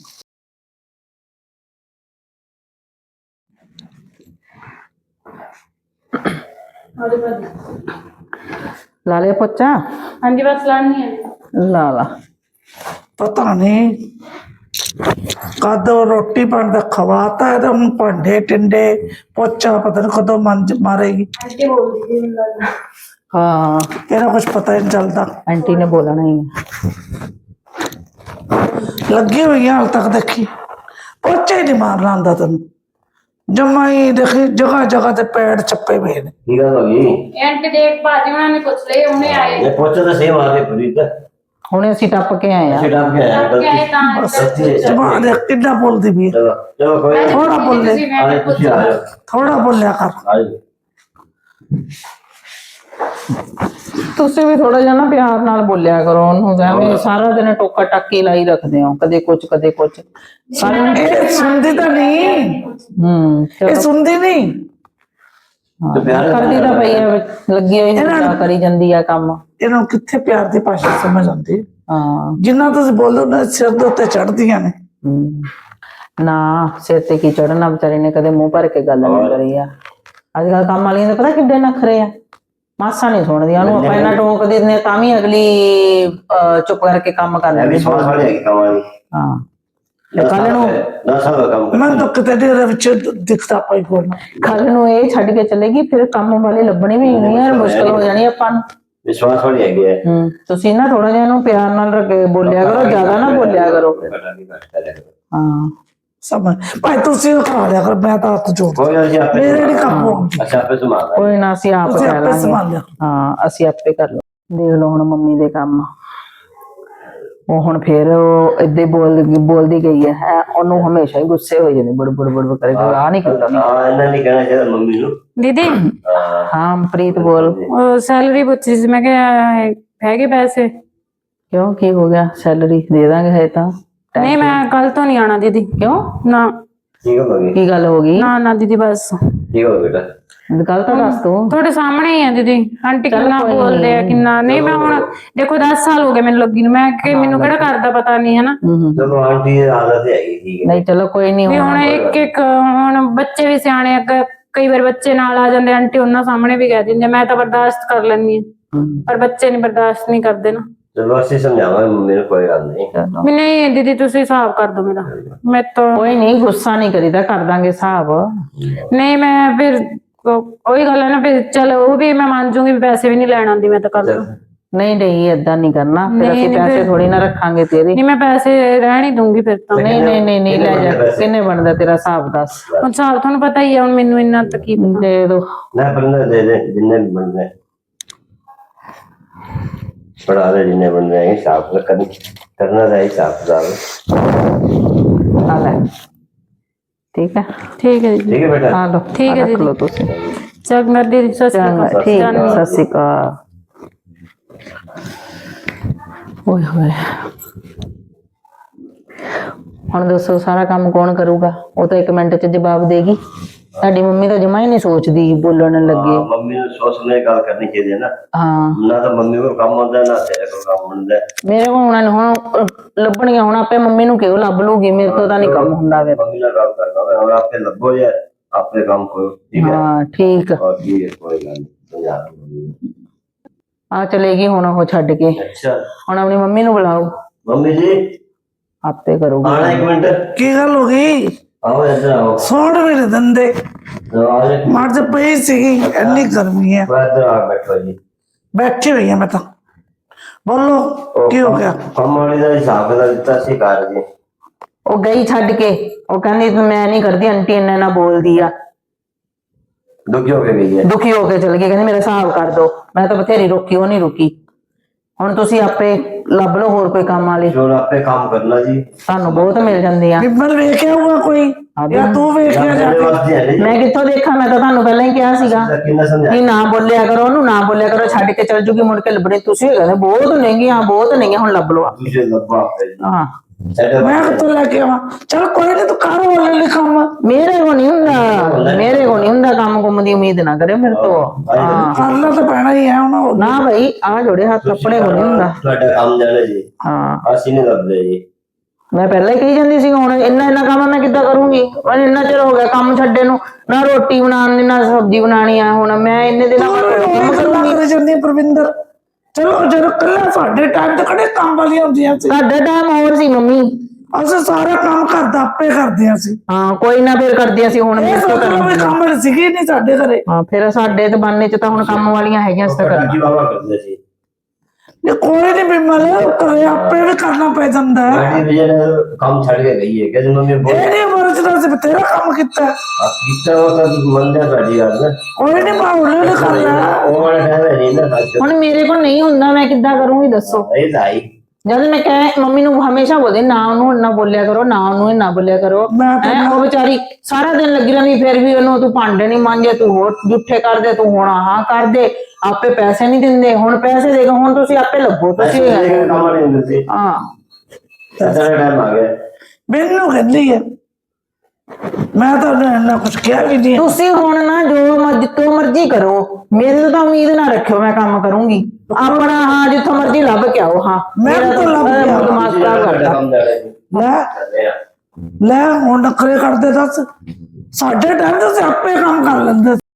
Speaker 4: ਲਾ ਲਿਆ ਪੋਚਾ?
Speaker 2: ਹਾਂਜੀ ਬਸ ਲਾਣੀ ਹੈ।
Speaker 4: ਲਾ ਲਾ।
Speaker 1: ਪਤਾ ਨਹੀਂ ਕਦੋਂ ਰੋਟੀ ਪਾਣੀ ਦਾ ਖਵਾਤਾ ਹੈ, ਤਾਂ ਹੁਣ ਭਾਂਡੇ ਟਿੰਡੇ ਪੋਚਾ ਪਤਾ ਨਹੀਂ ਕਦੋਂ ਮੰਜ ਮਾਰੇਗੀ।
Speaker 2: ਆਂਟੀ ਬੋਲਦੀ ਸੀ ਮੈਨੂੰ ਲੱਗਦਾ।
Speaker 4: ਹਾਂ
Speaker 1: ਇਹਦਾ ਕੁਝ ਪਤਾ ਹੀ ਨਹੀਂ ਚੱਲਦਾ।
Speaker 4: ਆਂਟੀ ਨੇ ਬੋਲਣਾ ਹੀ ਆ।
Speaker 1: ਲੱਗੀ ਹੋਈ ਆ ਹਾਲ ਤੱਕ, ਦੇਖੀ ਪੋਚਾ ਹੀ ਨਹੀਂ ਮਾਰਨਾ ਆਉਂਦਾ ਤੈਨੂੰ। ਜਮਾ ਹੀ ਦੇਖੀ ਜਗ੍ਹਾ ਜਗ੍ਹਾ ਤੇ ਪੈਰ ਚੱਪੇ ਪਏ ਨੇ।
Speaker 3: ਕੀ ਗੱਲ ਹੋ ਗਈ?
Speaker 2: ਇਹ ਆਂਟੀ ਦੇਖ ਭਾਜੀ ਉਹਨਾਂ ਨੇ ਪੁੱਛ ਲਈ, ਉਹਨੇ ਆਏ
Speaker 3: ਇਹ ਪੋਚਾ ਤਾਂ ਸੇਮ ਆ ਕੇ ਪੂਰੀ ਤਾਂ
Speaker 4: ਹੁਣੇ ਅਸੀਂ ਟੱਪ ਕੇ ਆਏ ਆ।
Speaker 3: ਅਸੀਂ ਡੱਬ ਕੇ ਆਏ
Speaker 2: ਕਿ ਆਏ ਤਾਂ
Speaker 3: ਗਲਤੀ ਹੈ।
Speaker 1: ਜਮਾ ਦੇਖ ਕਿੱਦਾਂ ਬੋਲਦੀ ਵੀ ਹੈ।
Speaker 3: ਚਲੋ ਚਲੋ ਕੋਈ ਨਹੀਂ।
Speaker 1: ਥੋੜਾ ਬੋਲੇ,
Speaker 2: ਤੁਸੀਂ ਮੈਂ
Speaker 3: ਆਏ ਤੁਸੀਂ ਆ ਜਾਓ,
Speaker 1: ਥੋੜਾ ਬੋਲਿਆ ਕਰ।
Speaker 3: ਆ ਜਾਓ।
Speaker 4: ਤੁਸੀਂ ਵੀ ਥੋੜਾ ਜਿਹਾ ਨਾ ਪਿਆਰ ਨਾਲ ਬੋਲਿਆ ਕਰੋ ਉਹਨੂੰ, ਐਵੇਂ ਸਾਰਾ ਦਿਨ ਟੋਕਾ ਟਾਕੀ ਲਾਈ ਰੱਖਦੇ ਹੋ, ਕਦੇ ਕੁਛ ਕਦੇ ਕੁਛ।
Speaker 1: ਇਹ ਸੁਣਦੀ ਤਾਂ ਨਹੀਂ,
Speaker 4: ਹੂੰ
Speaker 1: ਇਹ
Speaker 4: ਚਲੋ।
Speaker 1: ਸੁਣਦੀ ਨਹੀਂ।
Speaker 3: ਤੇ ਪਿਆਰ
Speaker 4: ਕਰਦੀ ਤਾਂ ਪਈ ਆ, ਲੱਗੀ ਹੋਈ ਨਾ ਕਰੀ ਜਾਂਦੀ ਆ ਕੰਮ।
Speaker 1: ਇਹਨਾਂ ਨੂੰ ਕਿੱਥੇ ਪਿਆਰ ਦੀ ਭਾਸ਼ਾ ਸਮਝ ਆਉਂਦੀ।
Speaker 4: ਹਾਂ
Speaker 1: ਜਿੰਨਾ ਤੁਸੀਂ ਬੋਲੋ ਨਾ ਸਿਰ ਦੇ ਉੱਤੇ ਚੜਦੀਆਂ ਨੇ।
Speaker 4: ਹੂੰ। ਨਾ ਸਿਰ ਤੇ ਕੀ ਚੜਨਾ, ਵਿਚਾਰੀ ਨੇ ਕਦੇ ਮੂੰਹ ਭਰ ਕੇ ਗੱਲ ਨਹੀਂ ਕਰੀ ਆ। ਅੱਜ ਕੱਲ ਕੰਮ ਵਾਲੀਆਂ ਦੇ ਪਤਾ ਕਿੱਡੇ ਨਖਰੇ ਆ, ਮਾਸਾ ਨਹੀਂ ਸੁਣਦੀਆਂ ਉਹਨੂੰ। ਆਪਾਂ ਇਹਨਾਂ ਟੋਕ ਦਿੰਦੇ ਤਾਂ ਵੀ ਅਗਲੀ ਅਹ, ਚੁੱਪ ਕਰਕੇ ਕੰਮ ਕਰ
Speaker 3: ਇਹ ਵੀ
Speaker 4: ਲੈਂਦੀ।
Speaker 3: ਸਵਾਸ ਵਾਲੀ ਹੈਗੀ ਕੰਮ ਵਾਲੀ।
Speaker 4: ਹਾਂ ਕੱਲ ਨੂੰ
Speaker 3: ਦਸ ਸਾਲ ਦਾ ਕੰਮ
Speaker 1: ਮੈਂ ਤਾਂ ਕਿਤੇ ਦੇ ਵਿੱਚ ਦਿਖਦਾ ਪਈ ਬੋਲਣਾ।
Speaker 4: ਕੱਲ ਨੂੰ ਇਹ ਛੱਡ ਕੇ ਚਲੇਗੀ, ਫਿਰ ਕੰਮ ਵਾਲੀ ਲੱਭਣੀ ਵੀ ਨਹੀਂ ਯਾਰ, ਮੁਸ਼ਕਲ ਹੋ ਜਾਣੀ ਆਪਾਂ ਨੂੰ।
Speaker 3: ਵਿਸ਼ਵਾਸ ਵਾਲੀ ਹੈਗੀ ਹੈ।
Speaker 4: ਹੂੰ ਤੁਸੀਂ ਨਾ ਥੋੜਾ ਜਿਹਾ ਇਹਨੂੰ ਪਿਆਰ ਨਾਲ ਰੱਖ ਬੋਲਿਆ ਕਰੋ, ਜ਼ਿਆਦਾ ਨਾ ਬੋਲਿਆ ਕਰੋ। ਹਾਂ
Speaker 1: ਸਮਝ ਭਾਈ ਤੁਸੀਂ ਉਹ ਕਰਾ ਲਿਆ ਕਰ, ਮੈਂ ਤਾਂ ਹੱਥ ਜੋੜ
Speaker 3: ਕੋਈ ਗੱਲ ਨਹੀਂ, ਆਪੇ
Speaker 1: ਮੇਰੇ ਨਹੀਂ ਕੰਮ ਹੋਣਗੇ।
Speaker 3: ਅੱਛਾ ਆਪੇ ਸੰਭਾਲ
Speaker 4: ਕੋਈ ਨਾ, ਅਸੀਂ ਆਪ
Speaker 1: ਤੁਸੀਂ
Speaker 4: ਕਰ
Speaker 1: ਆਪੇ
Speaker 4: ਲਾਂਗੇ।
Speaker 1: ਸੰਭਾਲ ਲਿਆ।
Speaker 4: ਹਾਂ ਅਸੀਂ ਆਪੇ ਕਰ ਲਓ। ਦੇਖ ਲਓ ਹੁਣ ਮੰਮੀ ਦੇ ਕੰਮ, ਉਹ ਹੁਣ ਫੇਰ ਉਹ ਏਦਾਂ ਹੀ ਬੋਲ ਬੋਲਦੀ ਗਈ ਹੈ ਹੈਂ, ਉਹਨੂੰ ਹਮੇਸ਼ਾ ਹੀ ਗੁੱਸੇ ਹੋ ਜਾਂਦੇ, ਬੜ ਬੜ ਬੜ ਕਰੇ ਆ ਨਹੀਂ ਕੀਤਾ।
Speaker 3: ਹਾਂ ਇਹਨਾਂ ਨਹੀਂ ਕਹਿਣਾ ਚਾਹੀਦਾ ਮੰਮੀ ਨੂੰ।
Speaker 2: ਦੀਦੀ
Speaker 3: ਹਾਂ
Speaker 4: ਹਾਂ ਪ੍ਰੀਤ ਬੋਲ।
Speaker 2: ਉਹ ਸੈਲਰੀ ਪੁੱਛੀ ਸੀ, ਮੈਂ ਕਿਹਾ ਹੈਗੇ ਪੈਸੇ?
Speaker 4: ਕਿਉਂ ਕੀ ਹੋ ਗਿਆ? ਸੈਲਰੀ ਦੇ ਦਾਂਗੇ ਹੈ ਤਾਂ।
Speaker 2: ਨਹੀਂ ਮੈਂ ਕੱਲ ਤੋਂ ਨਹੀਂ ਆਣਾ ਦੀਦੀ।
Speaker 4: ਕਿਉਂ
Speaker 2: ਨਾ
Speaker 3: ਕੀ ਗੱਲ ਹੋ ਗਈ?
Speaker 4: ਕੀ ਗੱਲ ਹੋ ਗਈ?
Speaker 2: ਨਾ ਨਾ ਦੀਦੀ ਬਸ
Speaker 3: ਕੀ ਹੋ ਗਿਆ ਬੇਟਾ?
Speaker 4: ਗੱਲ ਤਾਂ ਦੱਸ ਤੂੰ।
Speaker 2: ਤੁਹਾਡੇ ਸਾਹਮਣੇ ਹੀ ਆ ਦੀਦੀ, ਆਂਟੀ ਕਿੰਨਾ ਬੋਲਦੇ ਆ ਕਿੰਨਾ। ਨਹੀਂ ਮੈਂ ਹੁਣ ਦੇਖੋ ਦਸ ਸਾਲ ਹੋ ਗਏ ਮੈਨੂੰ ਲੱਗੀ ਨੂੰ, ਮੈਂ ਕਿ ਮੈਨੂੰ ਕਿਹੜਾ ਘਰ ਦਾ ਪਤਾ ਨਹੀਂ ਹੈ ਨਾ।
Speaker 4: ਹੂੰ ਹੂੰ।
Speaker 3: ਚਲੋ ਆਂਟੀ ਦੀ ਆਦਤ ਹੈਗੀ, ਠੀਕ ਹੈ।
Speaker 4: ਨਹੀਂ ਚਲੋ ਕੋਈ ਨਹੀਂ।
Speaker 2: ਵੀ ਹੁਣ ਇੱਕ ਇੱਕ ਹੁਣ ਬੱਚੇ ਵੀ ਸਿਆਣੇ ਆ, ਕ- ਕਈ ਵਾਰ ਬੱਚੇ ਨਾਲ ਆ ਜਾਂਦੇ, ਆਂਟੀ ਉਹਨਾਂ ਸਾਹਮਣੇ ਵੀ ਕਹਿ ਦਿੰਦੇ, ਮੈਂ ਤਾਂ ਬਰਦਾਸ਼ਤ ਕਰ ਲੈਂਦੀ ਹਾਂ, ਪਰ ਬੱਚੇ ਨਹੀਂ ਬਰਦਾਸ਼ਤ ਨਹੀਂ ਕਰਦੇ ਨਾ।
Speaker 3: ਚਲੋ ਅਸੀਂ ਸਮਝਾਵਾਂਗੇ ਮੰਮੀ ਨੂੰ, ਕੋਈ ਗੱਲ ਨਹੀਂ।
Speaker 4: ਚਲੋ
Speaker 2: ਵੀ ਨਹੀਂ ਦੀਦੀ ਤੁਸੀਂ ਹਿਸਾਬ ਕਰ ਦੋ ਮੇਰਾ, ਮੈਂ ਤਾਂ
Speaker 4: ਕੋਈ ਨਹੀਂ, ਗੁੱਸਾ ਨਹੀਂ ਕਰੀਦਾ, ਕਰ ਦਾਂਗੇ ਹਿਸਾਬ।
Speaker 2: ਨਹੀਂ ਮੈਂ ਫਿਰ ਉਹ- ਉਹੀ ਗੱਲ ਹੈ ਨਾ, ਫਿਰ ਚਲ ਉਹ ਵੀ ਮੈਂ ਮੰਨ ਜੂਗੀ ਵੀ ਪੈਸੇ ਵੀ ਨਹੀਂ ਲੈਣ ਆਉਂਦੀ, ਮੈਂ ਤਾਂ ਕਰ ਦੂੰ।
Speaker 4: ਨਹੀਂ ਨਹੀਂ ਏਦਾਂ ਨਹੀਂ ਕਰਨਾ, ਫਿਰ
Speaker 2: ਨਹੀਂ,
Speaker 4: ਅਸੀਂ
Speaker 2: ਨਹੀਂ,
Speaker 4: ਪੈਸੇ
Speaker 2: ਫਿਰ-
Speaker 4: ਥੋੜੀ ਨਾ ਰੱਖਾਂਗੇ ਤੇਰੇ।
Speaker 2: ਨਹੀਂ ਮੈਂ ਪੈਸੇ ਰਹਿਣ ਹੀ ਦੂੰਗੀ ਫਿਰ ਤਾਂ।
Speaker 4: ਨਹੀਂ ਨਹੀਂ ਨਹੀਂ ਨਹੀਂ ਲੈ ਜਾ, ਕਿੰਨੇ ਬਣਦਾ ਤੇਰਾ ਹਿਸਾਬ ਦੱਸ।
Speaker 2: ਹੁਣ ਹਿਸਾਬ ਤੁਹਾਨੂੰ ਪਤਾ ਹੀ ਆ, ਹੁਣ ਮੈਨੂੰ ਇੰਨਾ ਤਾਂ ਕੀ ਪਤਾ।
Speaker 4: ਦੇ ਦੋ।
Speaker 3: ਨਾ ਬੰਦਾ ਦੇ ਦੇ ਜਿੰਨੇ ਵੀ ਬਣਦੇ ਪੜਾ ਦੇ, ਜਿੰਨੇ ਬਣਦੇ ਹੈ ਹਿਸਾਬ ਕਰਨਾ ਕਰਨਾ ਦਾ ਹਿਸਾਬ ਦਾ।
Speaker 4: ਆ ਲੈ ਠੀਕ ਹੈ।
Speaker 2: ਠੀਕ ਹੈ ਜੀ,
Speaker 3: ਠੀਕ ਹੈ ਬੇਟਾ।
Speaker 4: ਆ ਲਓ,
Speaker 2: ਠੀਕ ਹੈ
Speaker 4: ਆ ਰੱਖ
Speaker 2: ਦੀਦੀ।
Speaker 4: ਲਓ ਤੁਸੀਂ।
Speaker 2: ਚੰਗਾ ਦੀਦੀ, ਸਤਿ ਸ਼੍ਰੀ
Speaker 4: ਚੰਗਾ
Speaker 2: ਅਕਾਲ।
Speaker 4: ਠੀਕ ਹੈ,
Speaker 2: ਜਾਨੀ ਹਾਂ।
Speaker 4: ਸਤਿ ਸ਼੍ਰੀ ਅਕਾਲ। ਓਏ ਹੋਏ, ਹੁਣ ਦੱਸੋ ਸਾਰਾ ਕੰਮ ਕੌਣ ਕਰੂਗਾ? ਉਹ ਤਾਂ ਇੱਕ ਮਿੰਟ ਚ ਜਵਾਬ ਦੇਗੀ। ਸਾਡੀ ਮੰਮੀ ਤਾਂ ਜਮਾ ਹੀ ਨਹੀਂ ਸੋਚਦੀ, ਬੋਲਣ ਲੱਗੇ।
Speaker 3: ਹਾਂ, ਮੰਮੀ ਨੂੰ ਸੋਚ ਸਮਝ ਕੇ ਗੱਲ ਕਰਨੀ ਚਾਹੀਦੀ ਹੈ ਨਾ।
Speaker 4: ਹਾਂ
Speaker 3: ਨਾ ਤਾਂ ਮੰਮੀ ਕੋਲ ਕੰਮ ਹੁੰਦਾ, ਨਾ ਤੇਰੇ ਕੋਲ ਕੰਮ ਹੁੰਦਾ।
Speaker 4: ਮੇਰੇ ਕੋਲ ਹੁਣ ਹੁਣ ਲੱਭਣੀਆਂ, ਹੁਣ ਆਪੇ ਮੰਮੀ ਨੂੰ ਕਿਉਂ ਲੱਭ ਲੂਗੀ, ਮੇਰੇ ਤੋਂ ਤਾਂ ਨਹੀਂ ਕੰਮ ਹੁੰਦਾ ਫਿਰ।
Speaker 3: ਮੰਮੀ ਨਾਲ ਗੱਲ ਕਰਨਾ, ਹੁਣ ਆਪੇ ਲੱਭੋ ਯਾਰ, अपने काम करो ठीक है
Speaker 4: ਹਾਂ ਠੀਕ
Speaker 3: और ठीक है कोई गल नहीं समझा दूंगा।
Speaker 4: ਆ ਚਲੇਗੀ ਹੁਣ ਉਹ ਛੱਡ ਕੇ
Speaker 3: अच्छा
Speaker 4: ਹੁਣ ਆਪਣੀ ਮੰਮੀ ਨੂੰ ਬੁਲਾਓ
Speaker 3: मम्मी जी
Speaker 4: ਆਪੇ ਕਰੂਗੀ
Speaker 3: आना एक मिनट
Speaker 1: ਕੀ ਗੱਲ ਹੋ ਗਈ?
Speaker 3: आओ इधर आओ
Speaker 1: ਸੌਣ ਵੀ ਨਹੀਂ ਦਿੰਦੇ।
Speaker 3: आओ एक
Speaker 1: ਮਰ ਜਾ ਪਈ ਸੀਗੀ, ਇੰਨੀ ਗਰਮੀ ਹੈ।
Speaker 3: मिनट इधर आ बैठो जी
Speaker 1: ਬੈਠੀ ਹੋਈ ਹਾਂ ਮੈਂ ਤਾਂ। ਬੋਲੋ ਕੀ ਹੋ ਗਿਆ?
Speaker 3: ਕੰਮ ਵਾਲੀ ਦਾ ਹਿਸਾਬ ਦਾ ਦਿੱਤਾ ਸੀ ਘਰ ਜੀ
Speaker 4: ਉਹ ਗਈ ਛੱਡ ਕੇ ਉਹ ਕਹਿੰਦੀ ਤੂੰ ਮੈਂ ਨਹੀਂ ਕਰਦੀ ਆਂਟੀ ਇੰਨਾ ਨਾ ਬੋਲਦੀ ਆ
Speaker 3: ਦੁਖੀ ਹੋ ਕੇ ਗਈ ਹੈ
Speaker 4: ਦੁਖੀ ਹੋ ਕੇ ਚਲ ਗਈ ਕਹਿੰਦੀ ਮੇਰਾ ਹਿਸਾਬ ਕਰ ਦੋ ਮੈਂ ਤਾਂ ਬਥੇਰੀ ਰੋਕੀ ਉਹ ਨਹੀਂ ਰੁਕੀ ਹੁਣ ਤੁਸੀਂ ਆਪੇ ਲੱਭ ਲਓ ਹੋਰ ਕੋਈ ਕੰਮ ਵਾਲੀ
Speaker 3: ਜੋ ਆਪੇ ਕੰਮ ਕਰਨਾ ਜੀ
Speaker 4: ਤੁਹਾਨੂੰ ਬਹੁਤ ਮਿਲ ਜਾਂਦੀਆਂ
Speaker 1: ਬਿਮਲ ਵੇਖਿਆ ਹੋਊਗਾ ਕੋਈ ਜਾਂ ਤੂੰ ਵੇਖਿਆ ਜਾ
Speaker 3: ਮੇਰੇ
Speaker 1: ਕੇ?
Speaker 3: ਵਾਸਤੇ ਹੈ ਨਹੀਂ
Speaker 4: ਮੈਂ ਕਿੱਥੋਂ ਦੇਖਾਂ ਮੈਂ ਤਾਂ ਤੁਹਾਨੂੰ ਪਹਿਲਾਂ ਹੀ ਕਿਹਾ ਸੀਗਾ
Speaker 3: ਕਿੰਨਾ ਸਮਝਾ
Speaker 4: ਕਿ ਨਾ ਬੋਲਿਆ ਕਰੋ ਉਹਨੂੰ ਨਾ ਬੋਲਿਆ ਕਰੋ ਛੱਡ ਕੇ ਚਲ ਜੂਗੀ ਮੁੜ ਕੇ ਲੱਭਣੇ ਤੁਸੀਂ ਕਹਿੰਦੇ ਬਹੁਤ ਨਹੀਂਗੀਆਂ ਬਹੁਤ ਨਹੀਂਗੀਆਂ ਹੁਣ ਲੱਭ ਲਓ
Speaker 3: ਦੂਜੇ ਲੱਭਾ ਆਪੇ ਜੀ
Speaker 4: ਹਾਂ
Speaker 3: ਸਾਡੇ
Speaker 1: ਮੈਂ ਕਿੱਥੋਂ ਲੈ ਕੇ ਆਵਾਂ? ਚਲ ਕੋਈ ਨਹੀਂ, ਤੂੰ ਕਰ ਹੌਲੀ ਹੌਲੀ ਕੰਮ।
Speaker 4: ਮੇਰੇ ਕੋ ਨਹੀਂ ਹੁੰਦਾ ਮੇਰੇ ਕੋ ਨਹੀਂ ਹੁੰਦਾ ਕੰਮ ਕੁੰਮ ਦੀ ਉਮੀਦ ਨਾ ਕਰਿਓ ਮੇਰੇ ਤੋਂ ਹਾਂ
Speaker 1: ਕਰਨਾ ਤਾਂ ਪੈਣਾ ਹੀ ਹੈ ਹੁਣ।
Speaker 4: ਨਾ ਭਾਈ ਆ ਜੋੜੇ ਹੱਥ ਕੱਪੜੇ ਕੋ ਨਹੀਂ ਹੁੰਦਾ
Speaker 3: ਤੁਹਾਡਾ ਕੰਮ ਜਾਣਾ ਜੀ
Speaker 4: ਹਾਂ
Speaker 3: ਅਸੀਂ ਨਹੀਂ ਲੱਭਦੇ ਜੀ
Speaker 4: ਮੈਂ ਪਹਿਲਾਂ ਹੀ ਕਹੀ ਜਾਂਦੀ ਸੀ ਹੁਣ ਇੰਨਾ ਇੰਨਾ ਕੰਮ ਮੈਂ ਕਿੱਦਾਂ ਕਰੂੰਗੀ ਮੈਨੂੰ ਇੰਨਾ ਚਿਰ ਹੋ ਗਿਆ ਕੰਮ ਛੱਡੇ ਨੂੰ ਨਾ ਰੋਟੀ ਬਣਾਉਣੀ ਨਾ ਸਬਜ਼ੀ ਬਣਾਉਣੀ ਆ ਹੁਣ ਮੈਂ ਇੰਨੇ ਦਿਨਾਂ ਬਾਅਦ ਕੰਮ ਕਰੂੰਗੀ
Speaker 1: ਕਰ ਜਾਂਦੀ ਹੈ ਪ੍ਰਵਿੰਦਰ। ਚਲੋ ਜਦੋਂ ਕੱਲਾ ਸਾਡੇ ਟਾਈਮ ਤੇ ਕਿਹੜੇ ਕੰਮ ਵਾਲੀਆਂ ਹੁੰਦੀਆਂ ਸੀ?
Speaker 4: ਤੁਹਾਡਾ ਟਾਈਮ ਹੋਰ ਸੀ ਮੰਮੀ
Speaker 1: ਅਸੀਂ ਸਾਰਾ ਕੰਮ ਘਰ ਦਾ ਆਪੇ ਕਰਦੀਆਂ ਸੀ।
Speaker 4: ਹਾਂ ਕੋਈ ਨਾ ਫਿਰ ਕਰਦੀਆਂ ਸੀ ਹੁਣ
Speaker 1: ਇਹ
Speaker 4: ਮੇਰੇ ਤੋਂ
Speaker 1: ਸੋਚੋ ਵੀ
Speaker 4: ਕਰਨ
Speaker 1: ਕੰਮ ਵਾਲੀ ਸੀਗੀ ਨਹੀਂ ਸਾਡੇ ਘਰੇ।
Speaker 4: ਹਾਂ ਫਿਰ ਸਾਡੇ ਤੇ ਬਾਨੇ ਚ ਤਾਂ ਹੁਣ ਕੰਮ ਵਾਲੀਆਂ ਹੈਗੀਆਂ ਇਸ ਤਰ੍ਹਾਂ
Speaker 3: ਜੀ ਬਾਬਾ ਕਰਦੇ ਸੀ
Speaker 1: ਇਹ ਕੋਈ ਨਹੀਂ ਬਿਮਲ, ਘਰੇ ਆਪੇ ਵੀ ਕਰਨਾ ਪੈ ਜਾਂਦਾ ਹੈ।
Speaker 3: ਸਾਡੀ ਵਜ੍ਹਾ ਨਾਲ ਕੰਮ ਛੱਡ ਕੇ ਗਈ ਹੈ ਕਹਿੰਦੇ ਮੰਮੀ ਬਹੁਤ
Speaker 1: ਇਹ ਨਹੀਂ ਮਰਜ਼ਦਾ ਸੀ ਤੇਰਾ ਕੰਮ ਕੀਤਾ।
Speaker 3: ਕੀਤਾ ਉਹ ਤਾਂ ਮੰਨਿਆ ਤੁਹਾਡੀ ਗੱਲ ਨਾ
Speaker 1: ਕੋਈ ਨਹੀਂ ਮੈਂ ਹੌਲੀ ਹੌਲੀ ਕਰ ਲਿਆ।
Speaker 3: ਉਹ ਵਾਲਾ ਟਾਈਮ ਹੈ ਨਹੀਂ ਨਾ ਅੱਜ
Speaker 4: ਹੁਣ ਮੇਰੇ ਕੋਲ ਨਹੀਂ ਹੁੰਦਾ ਮੈਂ ਕਿੱਦਾਂ ਕਰੂੰਗੀ ਦੱਸੋ
Speaker 3: ਇਹ ਲਾਈ
Speaker 4: ਜਦ ਮੈਂ ਕਹੇ ਮੰਮੀ ਨੂੰ ਹਮੇਸ਼ਾ ਬੋਲਦੇ ਨਾ ਉਹਨੂੰ ਨਾ ਬੋਲਿਆ ਕਰੋ ਨਾ ਉਹਨੂੰ ਨਾ ਬੋਲਿਆ ਕਰੋ
Speaker 1: ਮੈਂ ਤਾਂ
Speaker 4: ਹੈਂ, ਉਹ ਵਿਚਾਰੀ ਸਾਰਾ ਦਿਨ ਲੱਗੀ ਰਹਿੰਦੀ ਫਿਰ ਵੀ ਉਹਨੂੰ ਤੂੰ ਭਾਂਡੇ ਨਹੀਂ ਮਾਂਜੇ ਤੂੰ ਹੋਰ ਜੁੱਠੇ ਕਰ ਦੇ ਤੂੰ ਹੁਣ ਆਹ ਕਰ ਦੇ ਆਪੇ ਪੈਸੇ ਨਹੀਂ ਦਿੰਦੇ ਹੁਣ ਪੈਸੇ ਦੇਗਾ ਹੁਣ ਤੁਸੀਂ ਆਪੇ ਲੱਭੋ ਤੁਸੀਂ
Speaker 3: ਅਸੀਂ ਕੰਮ ਵਾਲੀ ਹੁੰਦੀ ਸੀ
Speaker 4: ਹਾਂ
Speaker 3: ਸਾਡਾ ਟਾਈਮ ਆ ਗਿਆ
Speaker 1: ਮੈਨੂੰ ਕਹਿੰਦੀ ਹੈ, ਮੈਂ ਤਾਂ ਇੰਨਾ ਕੁਝ ਕਿਹਾ ਵੀ ਨਹੀਂ।
Speaker 4: ਤੁਸੀਂ ਹੁਣ ਨਾ ਜੋ ਮਰਜ਼ੀ ਤੋਂ ਮਰਜ਼ੀ ਕਰੋ ਮੇਰੇ ਤੋਂ ਤਾਂ ਉਮੀਦ ਨਾ ਰੱਖਿਓ ਮੈਂ ਕੰਮ ਕਰੂੰਗੀ ਆਪਣਾ ਹਾਂ ਜਿੱਥੋਂ ਮਰਜ਼ੀ ਲੱਭ ਕੇ ਆਓ ਹਾਂ
Speaker 1: ਮੈਂ
Speaker 4: ਮੇਰਾ
Speaker 1: ਤਾਂ ਲੱਭ
Speaker 4: ਮੇਰਾ
Speaker 1: ਕੇ ਆਵਾਂ।
Speaker 4: ਦਿਮਾਗ ਖਰਾਬ ਕਰਦਾ
Speaker 3: ਕੰਮ ਜਾਣਾ ਜੀ
Speaker 1: ਲੈ
Speaker 3: ਕਰਦੇ ਆ
Speaker 1: ਲੈ ਹੁਣ ਨਖਰੇ ਕਰਦੇ ਦੱਸ। ਸਾਡੇ ਟਾਈਮ ਤੇ ਅਸੀਂ ਆਪੇ ਕੰਮ ਕਰ ਲੈਂਦੇ ਸੀ।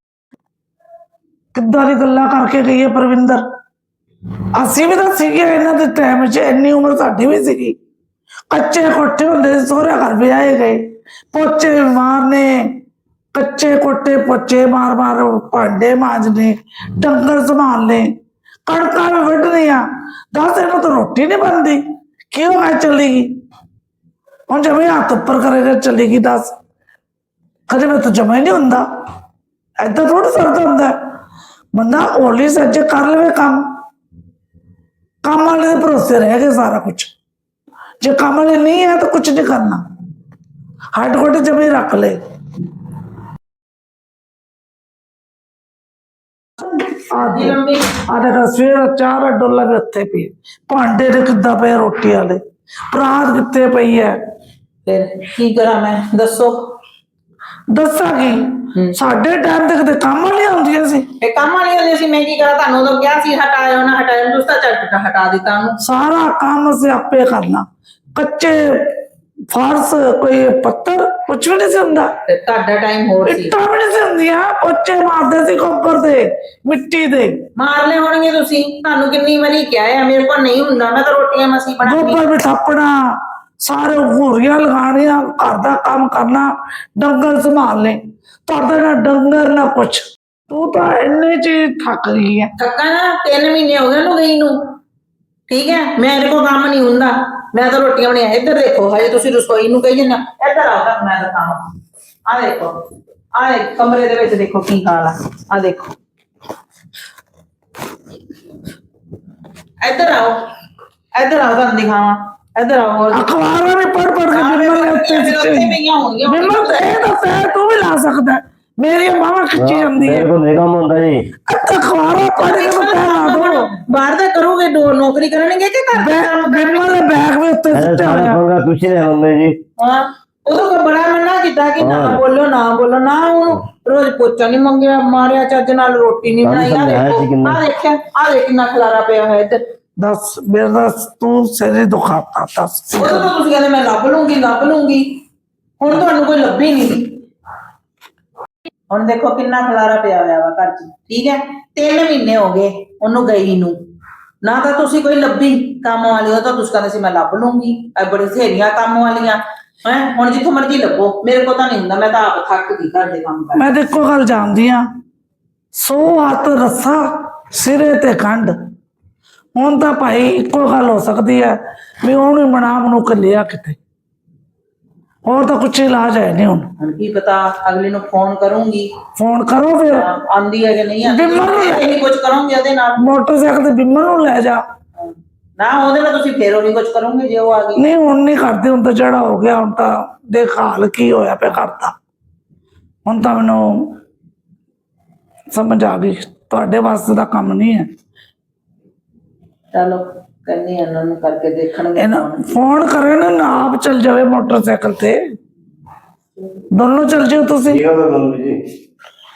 Speaker 1: ਕਿੱਦਾਂ ਦੀ ਗੱਲਾਂ ਕਰਕੇ ਗਈ ਹੈ ਪ੍ਰਵਿੰਦਰ। ਅਸੀਂ ਵੀ ਤਾਂ ਸੀਗੇ ਇਹਨਾਂ ਦੇ ਟਾਈਮ 'ਚ, ਇੰਨੀ ਉਮਰ ਸਾਡੀ ਵੀ ਸੀਗੀ। ਕੱਚੇ ਕੋਠੇ ਹੁੰਦੇ ਸੀ, ਸਹੁਰੇ ਘਰ ਵੀ ਆਏ ਗਏ, ਪੋਚੇ ਮਾਰਨੇ, ਕੱਚੇ ਕੋਠੇ ਪੋਚੇ ਮਾਰ ਮਾਰ ਭਾਂਡੇ ਮਾਂਜਨੇ, ਡੰਗਰ ਸੰਭਾਲਨੇ, ਕਣਕਾਂ ਵੀ ਵੱਢਣੀਆਂ। ਦੱਸ ਇਹਨੂੰ ਤਾਂ ਰੋਟੀ ਨਹੀਂ ਬਣਦੀ, ਕਿਉਂ ਮੈਂ ਚਲੇਗੀ? ਹੁਣ ਜਮੇ ਹੱਥ ਉੱਪਰ ਕਰੇਗਾ ਚਲੇਗੀ? ਦੱਸ ਕਦੇ ਮੈਂ ਤਾਂ ਜਮਾ ਹੀ ਨਹੀਂ ਹੁੰਦਾ। ਏਦਾਂ ਥੋੜਾ ਸਰਦਾ ਹੁੰਦਾ ਬੰਦਾ, ਹੌਲੀ ਸੱਜੇ ਕਰ ਲਵੇ ਕੰਮ। ਕੰਮ ਵਾਲੇ ਦੇ ਭਰੋਸੇ ਰਹਿ ਗਏ ਸਾਰਾ ਕੁਝ। ਜੇ ਕੰਮ ਵਾਲੇ ਨਹੀਂ ਹੈ ਤਾਂ ਕੁਝ ਨਹੀਂ ਕਰਨਾ, ਹੱਡ ਗੋਡੇ ਜਮੇ ਰੱਖ ਲੈ। ਆਦੀ
Speaker 4: ਮੰਮੀ
Speaker 1: ਆ ਦੇਖ ਸਵੇਰ ਚਾਰ ਡੋਲਾ ਵੀ ਉੱਥੇ ਪਈ, ਭਾਂਡੇ ਦੇ ਕਿੱਦਾਂ ਪਏ ਰੋਟੀ ਵਾਲੇ, ਪਰਾਤ ਕਿੱਥੇ ਪਈ ਹੈ।
Speaker 4: ਫਿਰ ਕੀ ਕਰਾਂ ਮੈਂ ਦੱਸੋ
Speaker 1: ਦੱਸਾਂਗੀ ਸਾਡੇ ਟਾਈਮ ਤੇ ਕਿਤੇ ਕੰਮ ਵਾਲੀਆਂ ਹੁੰਦੀਆਂ ਸੀ।
Speaker 4: ਇਹ ਕੰਮ ਵਾਲੀ ਹੁੰਦੀ ਸੀ ਮੈਂ ਕੀ ਕਰਾਂ ਤੁਹਾਨੂੰ ਉਦੋਂ ਕਿਹਾ ਸੀ ਹਟਾਇਓ ਨਾ ਹਟਾਇਓ ਤੁਸੀਂ ਤਾਂ ਝਟ ਹਟਾ ਦਿੱਤਾ ਉਹਨੂੰ
Speaker 1: ਸਾਰਾ ਕੰਮ ਅਸੀਂ ਆਪੇ ਕਰਨਾ। ਕੱਚੇ ਫਰਸ਼, ਕੋਈ ਪੱਥਰ, ਕੁਛ ਵੀ ਨਹੀਂ ਸੀ ਹੁੰਦਾ।
Speaker 4: ਤੇ ਤੁਹਾਡਾ ਟਾਈਮ ਹੋਰ ਸੀ
Speaker 1: ਇੱਟਾਂ ਵੀ ਨਹੀਂ ਸੀ ਹੁੰਦੀਆਂ, ਪੋਚੇ ਮਾਰਦੇ ਸੀ ਗੋਬਰ ਦੇ, ਮਿੱਟੀ ਦੇ।
Speaker 4: ਮਾਰ ਲੈ ਹੋਣਗੇ ਤੁਸੀਂ ਤੁਹਾਨੂੰ ਕਿੰਨੀ ਵਾਰੀ ਕਿਹਾ ਹੈ ਮੇਰੇ ਕੋਲ ਨਹੀਂ ਹੁੰਦਾ ਮੈਂ ਤਾਂ ਰੋਟੀਆਂ ਮਸੀਂ ਬਣਾਉਂਦੀ
Speaker 1: ਗੋਬਰ ਵੀ ਥਾਪਣਾ, ਸਾਰੇ ਘੂਰੀਆਂ ਲਗਾਉਣੀਆਂ, ਘਰ ਦਾ ਕੰਮ ਕਰਨਾ, ਡੰਗਰ ਸੰਭਾਲਨੇ। ਤੁਹਾਡਾ ਨਾ ਡੰਗਰ ਨਾ ਕੁਛ, ਤੂੰ ਤਾਂ ਇੰਨੇ ਚ ਹੀ ਥੱਕ ਗਈ ਹੈ।
Speaker 4: ਥੱਕਾ ਨਾ ਤਿੰਨ ਮਹੀਨੇ ਹੋ ਗਏ ਉਹਨੂੰ ਗਈ ਨੂੰ ਠੀਕ ਹੈ ਮੇਰੇ ਕੋਲ ਕੰਮ ਨਹੀਂ ਹੁੰਦਾ ਮੈਂ ਤਾਂ ਰੋਟੀਆਂ ਬਣਾਇਆ। ਇੱਧਰ ਦੇਖੋ ਹਜੇ ਤੁਸੀਂ ਰਸੋਈ ਨੂੰ ਕਹੀ ਜੰਨਾ ਇੱਧਰ ਆਓ ਤਾਂ ਮੈਂ ਦਿਖਾਵਾਂ। ਆ ਦੇਖੋ ਆ ਕਮਰੇ ਦੇ ਵਿੱਚ ਦੇਖੋ ਕੀ ਹਾਲ ਆ ਆ ਦੇਖੋ ਇੱਧਰ ਆਓ ਇੱਧਰ ਆਓ ਤੁਹਾਨੂੰ ਦਿਖਾਵਾਂ ਇੱਧਰ ਆਓ ਹੋਰ
Speaker 1: ਅਖਬਾਰਾਂ ਨੇ ਪੜ ਪੜ ਕੇ ਬਿਮਲ ਨੇ ਉੱਤੇ
Speaker 4: ਉੱਥੇ
Speaker 1: ਸਿੱਟੇ।
Speaker 4: ਪਈਆਂ ਹੋਣਗੀਆਂ
Speaker 1: ਬਿਮਲ ਤੇ ਇਹ ਤਾਂ ਪੈਰ ਤੂੰ ਵੀ ਲਾ ਸਕਦਾ, ਮੇਰੀ ਮਾਵਾ ਖਿੱਚੀ ਜਾਂਦੀ ਹੈ।
Speaker 3: ਮੇਰੇ ਕੋਲ ਨਹੀਂ ਕੰਮ ਹੁੰਦਾ ਜੀ
Speaker 1: ਅੱਛਾ ਅਖਬਾਰਾਂ ਪੜ ਕੇ ਮੈਂ ਪੈਰ ਲਾ ਦੋ।
Speaker 4: ਬਾਹਰ ਦਾ ਕਰੋਗੇ ਦੋ ਨੌਕਰੀ ਕਰਨਗੇ ਕਿ ਘਰ ਦਾ ਕੰਮ
Speaker 1: ਬਿਮਲ ਦੇ ਬੈਗ ਵੀ ਉੱਤੇ
Speaker 3: ਇਹ
Speaker 1: ਸਿੱਟਿਆ
Speaker 3: ਸਾਰਾ
Speaker 1: ਹੋਇਆ।
Speaker 3: ਪੰਗਾ ਤੁਸੀਂ ਨੇ ਮੰਮੀ ਜੀ
Speaker 4: ਹਾਂ ਉਦੋਂ ਕੋ ਬੜਾ ਮੰਨਾ ਕੀਤਾ ਕਿ ਨਾ ਬੋਲੋ ਨਾ ਬੋਲੋ ਨਾ ਉਹਨੂੰ ਰੋਜ਼ ਪੋਚਾ ਨਹੀਂ ਮੰਗਿਆ ਮਾਰਿਆ ਚੱਜ ਨਾਲ ਰੋਟੀ ਨਹੀਂ ਬਣਾਈ ਆ ਦੇਖੋ ਆ ਦੇਖਿਆ ਆ ਦੇਖ ਕਿੰਨਾ ਖਲਾਰਾ ਪਿਆ ਹੋਇਆ ਇੱਧਰ
Speaker 1: ਦੱਸ ਮੇਰਾ ਤੂੰ ਸਿਰੇ ਦੁਖਾਤਾ ਦੱਸ।
Speaker 4: ਉਦੋਂ ਤਾਂ ਤੁਸੀਂ ਕਹਿੰਦੇ ਮੈਂ ਲੱਭ ਲੂੰਗੀ ਲੱਭ ਲੂੰਗੀ ਹੁਣ ਤੁਹਾਨੂੰ ਕੋਈ ਲੱਭੀ ਨਹੀਂ ਹੁਣ ਦੇਖੋ ਕਿੰਨਾ ਖਲਾਰਾ ਪਿਆ ਹੋਇਆ ਵਾ ਘਰ 'ਚ, ਠੀਕ ਹੈ। ਤਿੰਨ ਮਹੀਨੇ ਹੋ ਗਏ ਉਹਨੂੰ ਗਈ ਨੂੰ, ਨਾ ਤਾਂ ਤੁਸੀਂ ਕੋਈ ਲੱਭੀ ਕੰਮ ਵਾਲੀ, ਉਹ ਤਾਂ ਤੁਸੀਂ ਕਹਿੰਦੇ ਸੀ ਮੈਂ ਲੱਭ ਲੂੰਗੀ, ਇਹ ਬੜੀ ਸਹੇਲੀਆਂ ਕੰਮ ਵਾਲੀਆਂ ਹੈ। ਹੁਣ ਜਿੱਥੋਂ ਮਰਜ਼ੀ ਲੱਭੋ, ਮੇਰੇ ਕੋਲ ਤਾਂ ਨਹੀਂ ਹੁੰਦਾ, ਮੈਂ ਤਾਂ ਆਪ ਥੱਕ ਗਈ ਘਰ ਦੇ ਕੰਮ ਕਰ।
Speaker 1: ਮੈਂ ਤੇ ਇੱਕੋ ਗੱਲ ਜਾਣਦੀ ਆ, ਸੌ ਹੱਥ ਰੱਸਾ ਸਿਰੇ ਤੇ ਖੰਡ। ਹੁਣ ਤਾਂ ਭਾਈ ਇੱਕੋ ਗੱਲ ਹੋ ਸਕਦੀ ਹੈ ਵੀ ਉਹਨੂੰ ਬਣਾ ਬਣੂ ਕੇ ਲਿਆ ਕਿਤੇ, ਹੋਰ ਤਾਂ ਕੁਛ ਇਲਾਜ ਹੈ ਨਹੀਂ। ਹੁਣ
Speaker 4: ਹੁਣ ਕੀ ਪਤਾ, ਅਗਲੇ ਨੂੰ ਫੋਨ ਕਰੂੰਗੀ,
Speaker 1: ਫੋਨ ਕਰੋ ਫਿਰ,
Speaker 4: ਆਂਦੀ ਹੈ ਕਿ ਨਹੀਂ ਆਂਦੀ,
Speaker 1: ਬਿਮਰ ਨੂੰ
Speaker 4: ਨਹੀਂ ਕੁਝ ਕਰੋਗੇ ਉਹਦੇ ਨਾਲ।
Speaker 1: ਮੋਟਰਸਾਈਕਲ ਤੇ ਬਿਮਰ ਨੂੰ ਲੈ ਜਾ।
Speaker 4: ਨਾ ਉਹਦੇ ਨਾਲ ਤੁਸੀਂ ਫੇਰ ਉਹ ਨਹੀਂ ਕੁਝ ਕਰੋਗੇ ਜੇ ਉਹ ਆ ਗਈ।
Speaker 1: ਨਹੀਂ ਹੁਣ ਨਹੀਂ ਕਰਦੇ, ਹੁਣ ਤਾਂ ਜਿਹੜਾ ਹੋ ਗਿਆ, ਹੁਣ ਤਾਂ ਦੇਖ ਹਾਲ ਕੀ ਹੋਇਆ ਪਿਆ ਕਰਦਾ। ਹੁਣ ਤਾਂ ਮੈਨੂੰ ਸਮਝ ਆ ਗਈ ਤੁਹਾਡੇ ਵਾਸਤੇ ਦਾ ਕੰਮ ਨਹੀਂ ਹੈ।
Speaker 4: ਚਲੋ ਕਹਿੰਦੀ ਇਹਨਾਂ ਨੂੰ ਕਰਕੇ ਦੇਖਣਗੇ
Speaker 1: ਇਹਨਾਂ
Speaker 4: phone।
Speaker 1: ਫੋਨ ਕਰੇ ਨਾ, ਨਾ ਆਪ ਚਲ ਜਾਵੇ ਮੋਟਰਸਾਈਕਲ ਤੇ, ਦੋਨੋਂ ਚਲ ਜਿਓ ਤੁਸੀਂ।
Speaker 3: ਠੀਕ ਹੈ ਮੰਮੀ ਜੀ।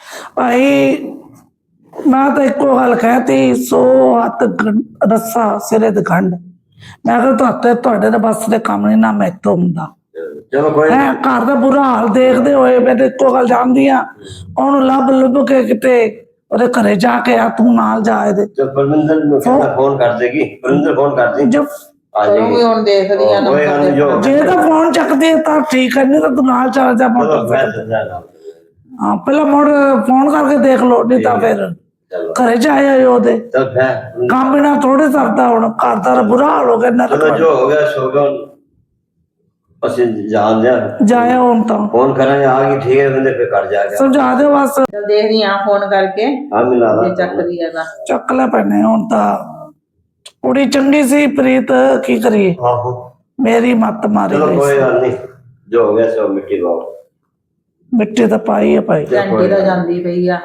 Speaker 1: ਭਾਈ ਮੈਂ ਤਾਂ ਇੱਕੋ ਗੱਲ ਕਹਿਤੀ, ਸੌ ਹੱਥ ਗੰ- ਰੱਸਾ ਸਿਰੇ ਤੇ ਖੰਡ। ਮੈਂ ਕਿਹਾ ਤੁਹਾਡੇ ਤੁਹਾਡੇ ਦੇ ਬਸ ਦੇ ਕੰਮ ਨਹੀਂ, ਨਾ ਮੈਥੋਂ ਹੁੰਦਾ
Speaker 3: ਚਲੋ ਕੋਈ
Speaker 1: ਹੈ। ਘਰ ਦਾ ਬੁਰਾ ਹਾਲ ਦੇਖਦੇ ਹੋਏ ਮੈਂ ਤਾਂ ਇੱਕੋ ਗੱਲ ਜਾਣਦੀ ਆ, ਉਹਨੂੰ ਲੱਭ ਲੱਭ ਕੇ ਕਿਤੇ ਉਹਦੇ ਘਰੇ ਜਾ ਕੇ ਆ, ਤੂੰ ਨਾਲ ਜਾ ਇਹਦੇ।
Speaker 3: ਚਲ ਪਰਮਿੰਦਰ ਨੂੰ ਕਹਿੰਦਾ ਫੋਨ ਕਰ ਦੇਗੀ, ਪਰਮਿੰਦਰ ਫੋਨ ਕਰ ਦੇ
Speaker 1: ਜਬ
Speaker 3: ਆ ਜਾਏਗੀ।
Speaker 4: ਕਰੂੰਗੀ ਹੁਣ, ਦੇਖਦੀ ਆ
Speaker 3: ਕੋਈ ਗੱਲ ਨਹੀਂ, ਜੋ
Speaker 1: ਜੇ ਤਾਂ ਫੋਨ ਚੱਕਦੇ ਤਾਂ ਠੀਕ ਹੈ, ਨਹੀਂ ਤਾਂ ਤੂੰ ਨਾਲ ਚੱਲ ਜਾ
Speaker 3: ਚਲੋ
Speaker 1: ਮੋਟਰਸਾਈਕਲ।
Speaker 3: ਮੈਂ ਸਮਝਾ ਲਾਂ।
Speaker 1: ਹਾਂ ਪਹਿਲਾਂ ਮੋੜ ਫੋਨ ਕਰਕੇ ਦੇਖ ਲਓ, ਨਹੀਂ ਤਾਂ ਫਿਰ
Speaker 3: ਚਲੋ
Speaker 1: ਘਰੇ ਜਾਏ ਉਹਦੇ।
Speaker 3: ਚਲ ਮੈਂ
Speaker 1: ਕੰਮ ਬਿਨਾ ਥੋੜੇ ਸਰਦਾ, ਹੁਣ ਘਰ ਦਾ ਬੁਰਾ ਹਾਲ ਹੋ ਗਿਆ ਨਾ।
Speaker 3: ਚਲੋ ਜੋ ਹੋ ਗਿਆ ਸੋ ਗਿਆ ਹੁਣ। ਅਸੀਂ ਜਾਣ ਦਿਆਂ,
Speaker 1: ਜਾਇਆ ਹੁਣ ਤਾਂ
Speaker 3: ਫੋਨ ਕਰਾਂਗੇ, ਆ ਗਈ ਠੀਕ ਹੈ ਬੰਦੇ, ਫਿਰ ਕਰ ਜਾ ਕੇ
Speaker 1: ਸਮਝਾ ਦੇ ਬਸ।
Speaker 4: ਚਲ ਦੇਖਦੀ ਆ ਫੋਨ ਕਰਕੇ,
Speaker 3: ਆ ਮਿਲਾ ਲਾ।
Speaker 4: ਜੇ ਚੱਕਦੀ ਹੈ ਤਾਂ।
Speaker 1: ਚੱਕ ਲੈ ਪੈਣੇ ਹੁਣ ਤਾਂ। ਕੁੜੀ ਚੰਗੀ ਸੀ ਪ੍ਰੀਤ, ਕੀ ਕਰੀਏ,
Speaker 3: ਆਹੋ
Speaker 1: ਮੇਰੀ ਮੱਤ ਮਾਰੀ
Speaker 3: ਚਲੋ
Speaker 1: ਗਈ
Speaker 3: ਕੋਈ
Speaker 1: ਸੀ।
Speaker 3: ਗੱਲ ਨਹੀਂ, ਜੋ ਹੋ ਗਿਆ ਸੋ ਮਿੱਟੀ ਪਾਓ।
Speaker 1: ਮਿੱਟੀ ਤਾਂ ਪਾਈ ਹੈ ਭਾਈ।
Speaker 4: ਘੰਟੀ ਤਾਂ ਜਾਂਦੀ ਪਈ ਆ,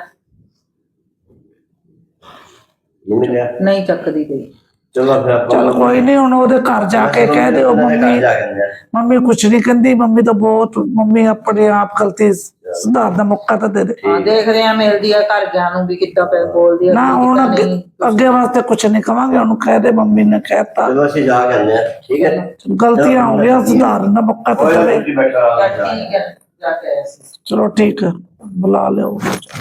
Speaker 3: ਨਹੀਂ ਮਿਲਿਆ,
Speaker 4: ਨਹੀਂ ਚੱਕਦੀ ਪਈ।
Speaker 3: ਚਲੋ ਫਿਰ ਆਪਾਂ
Speaker 1: ਚਲ ਕੋਈ ਨਹੀਂ, ਹੁਣ ਉਹਦੇ ਘਰ ਜਾ ਕੇ ਕਹਿ ਦਿਓ ਮੰਮੀ,
Speaker 3: ਜਾ ਕੇ ਆਉਂਦੇ ਹਾਂ।
Speaker 1: ਮੰਮੀ ਕੁਛ ਨਹੀਂ ਕਹਿੰਦੀ, ਮੰਮੀ ਤਾਂ ਬਹੁਤ, ਮੰਮੀ ਆਪਣੇ ਆਪ ਗਲਤੀ ਸੁਧਾਰ ਦਾ ਮੌਕਾ ਤਾਂ ਦੇ ਦੇ।
Speaker 4: ਹਾਂ ਦੇਖਦੇ ਆ, ਮਿਲਦੀ ਆ ਘਰ ਗਿਆ ਨੂੰ ਵੀ ਕਿੱਦਾਂ ਪੈ ਬੋਲਦੀ ਆ,
Speaker 1: ਨਾ ਹੁਣ
Speaker 4: ਕਿੱਦਾਂ
Speaker 1: ਅੱਗੇ
Speaker 4: ਨਹੀਂ।
Speaker 1: ਅੱਗੇ ਵਾਸਤੇ ਕੁਛ ਨਹੀਂ ਕਵਾਂਗੇ, ਉਹਨੂੰ ਕਹਿ ਦੇ ਮੰਮੀ ਨੇ ਕਹਿਤਾ,
Speaker 3: ਚਲੋ ਅਸੀਂ ਜਾ ਕੇ ਆਉਂਦੇ ਹਾਂ, ਠੀਕ ਹੈ।
Speaker 1: ਗਲਤੀਆਂ ਹੋ ਗਈਆਂ, ਸੁਧਾਰਨ ਦਾ ਮੌਕਾ ਤਾਂ
Speaker 3: ਕੋਈ
Speaker 1: ਦੇਵੇ।
Speaker 3: ਨਹੀਂ ਬੈਠਾ
Speaker 4: ਚੱਲ ਠੀਕ ਹੈ, ਜਾ ਕੇ ਆਇਆ ਸੀ।
Speaker 1: ਚਲੋ ਠੀਕ ਹੈ, ਬੁਲਾ ਲਿਓ।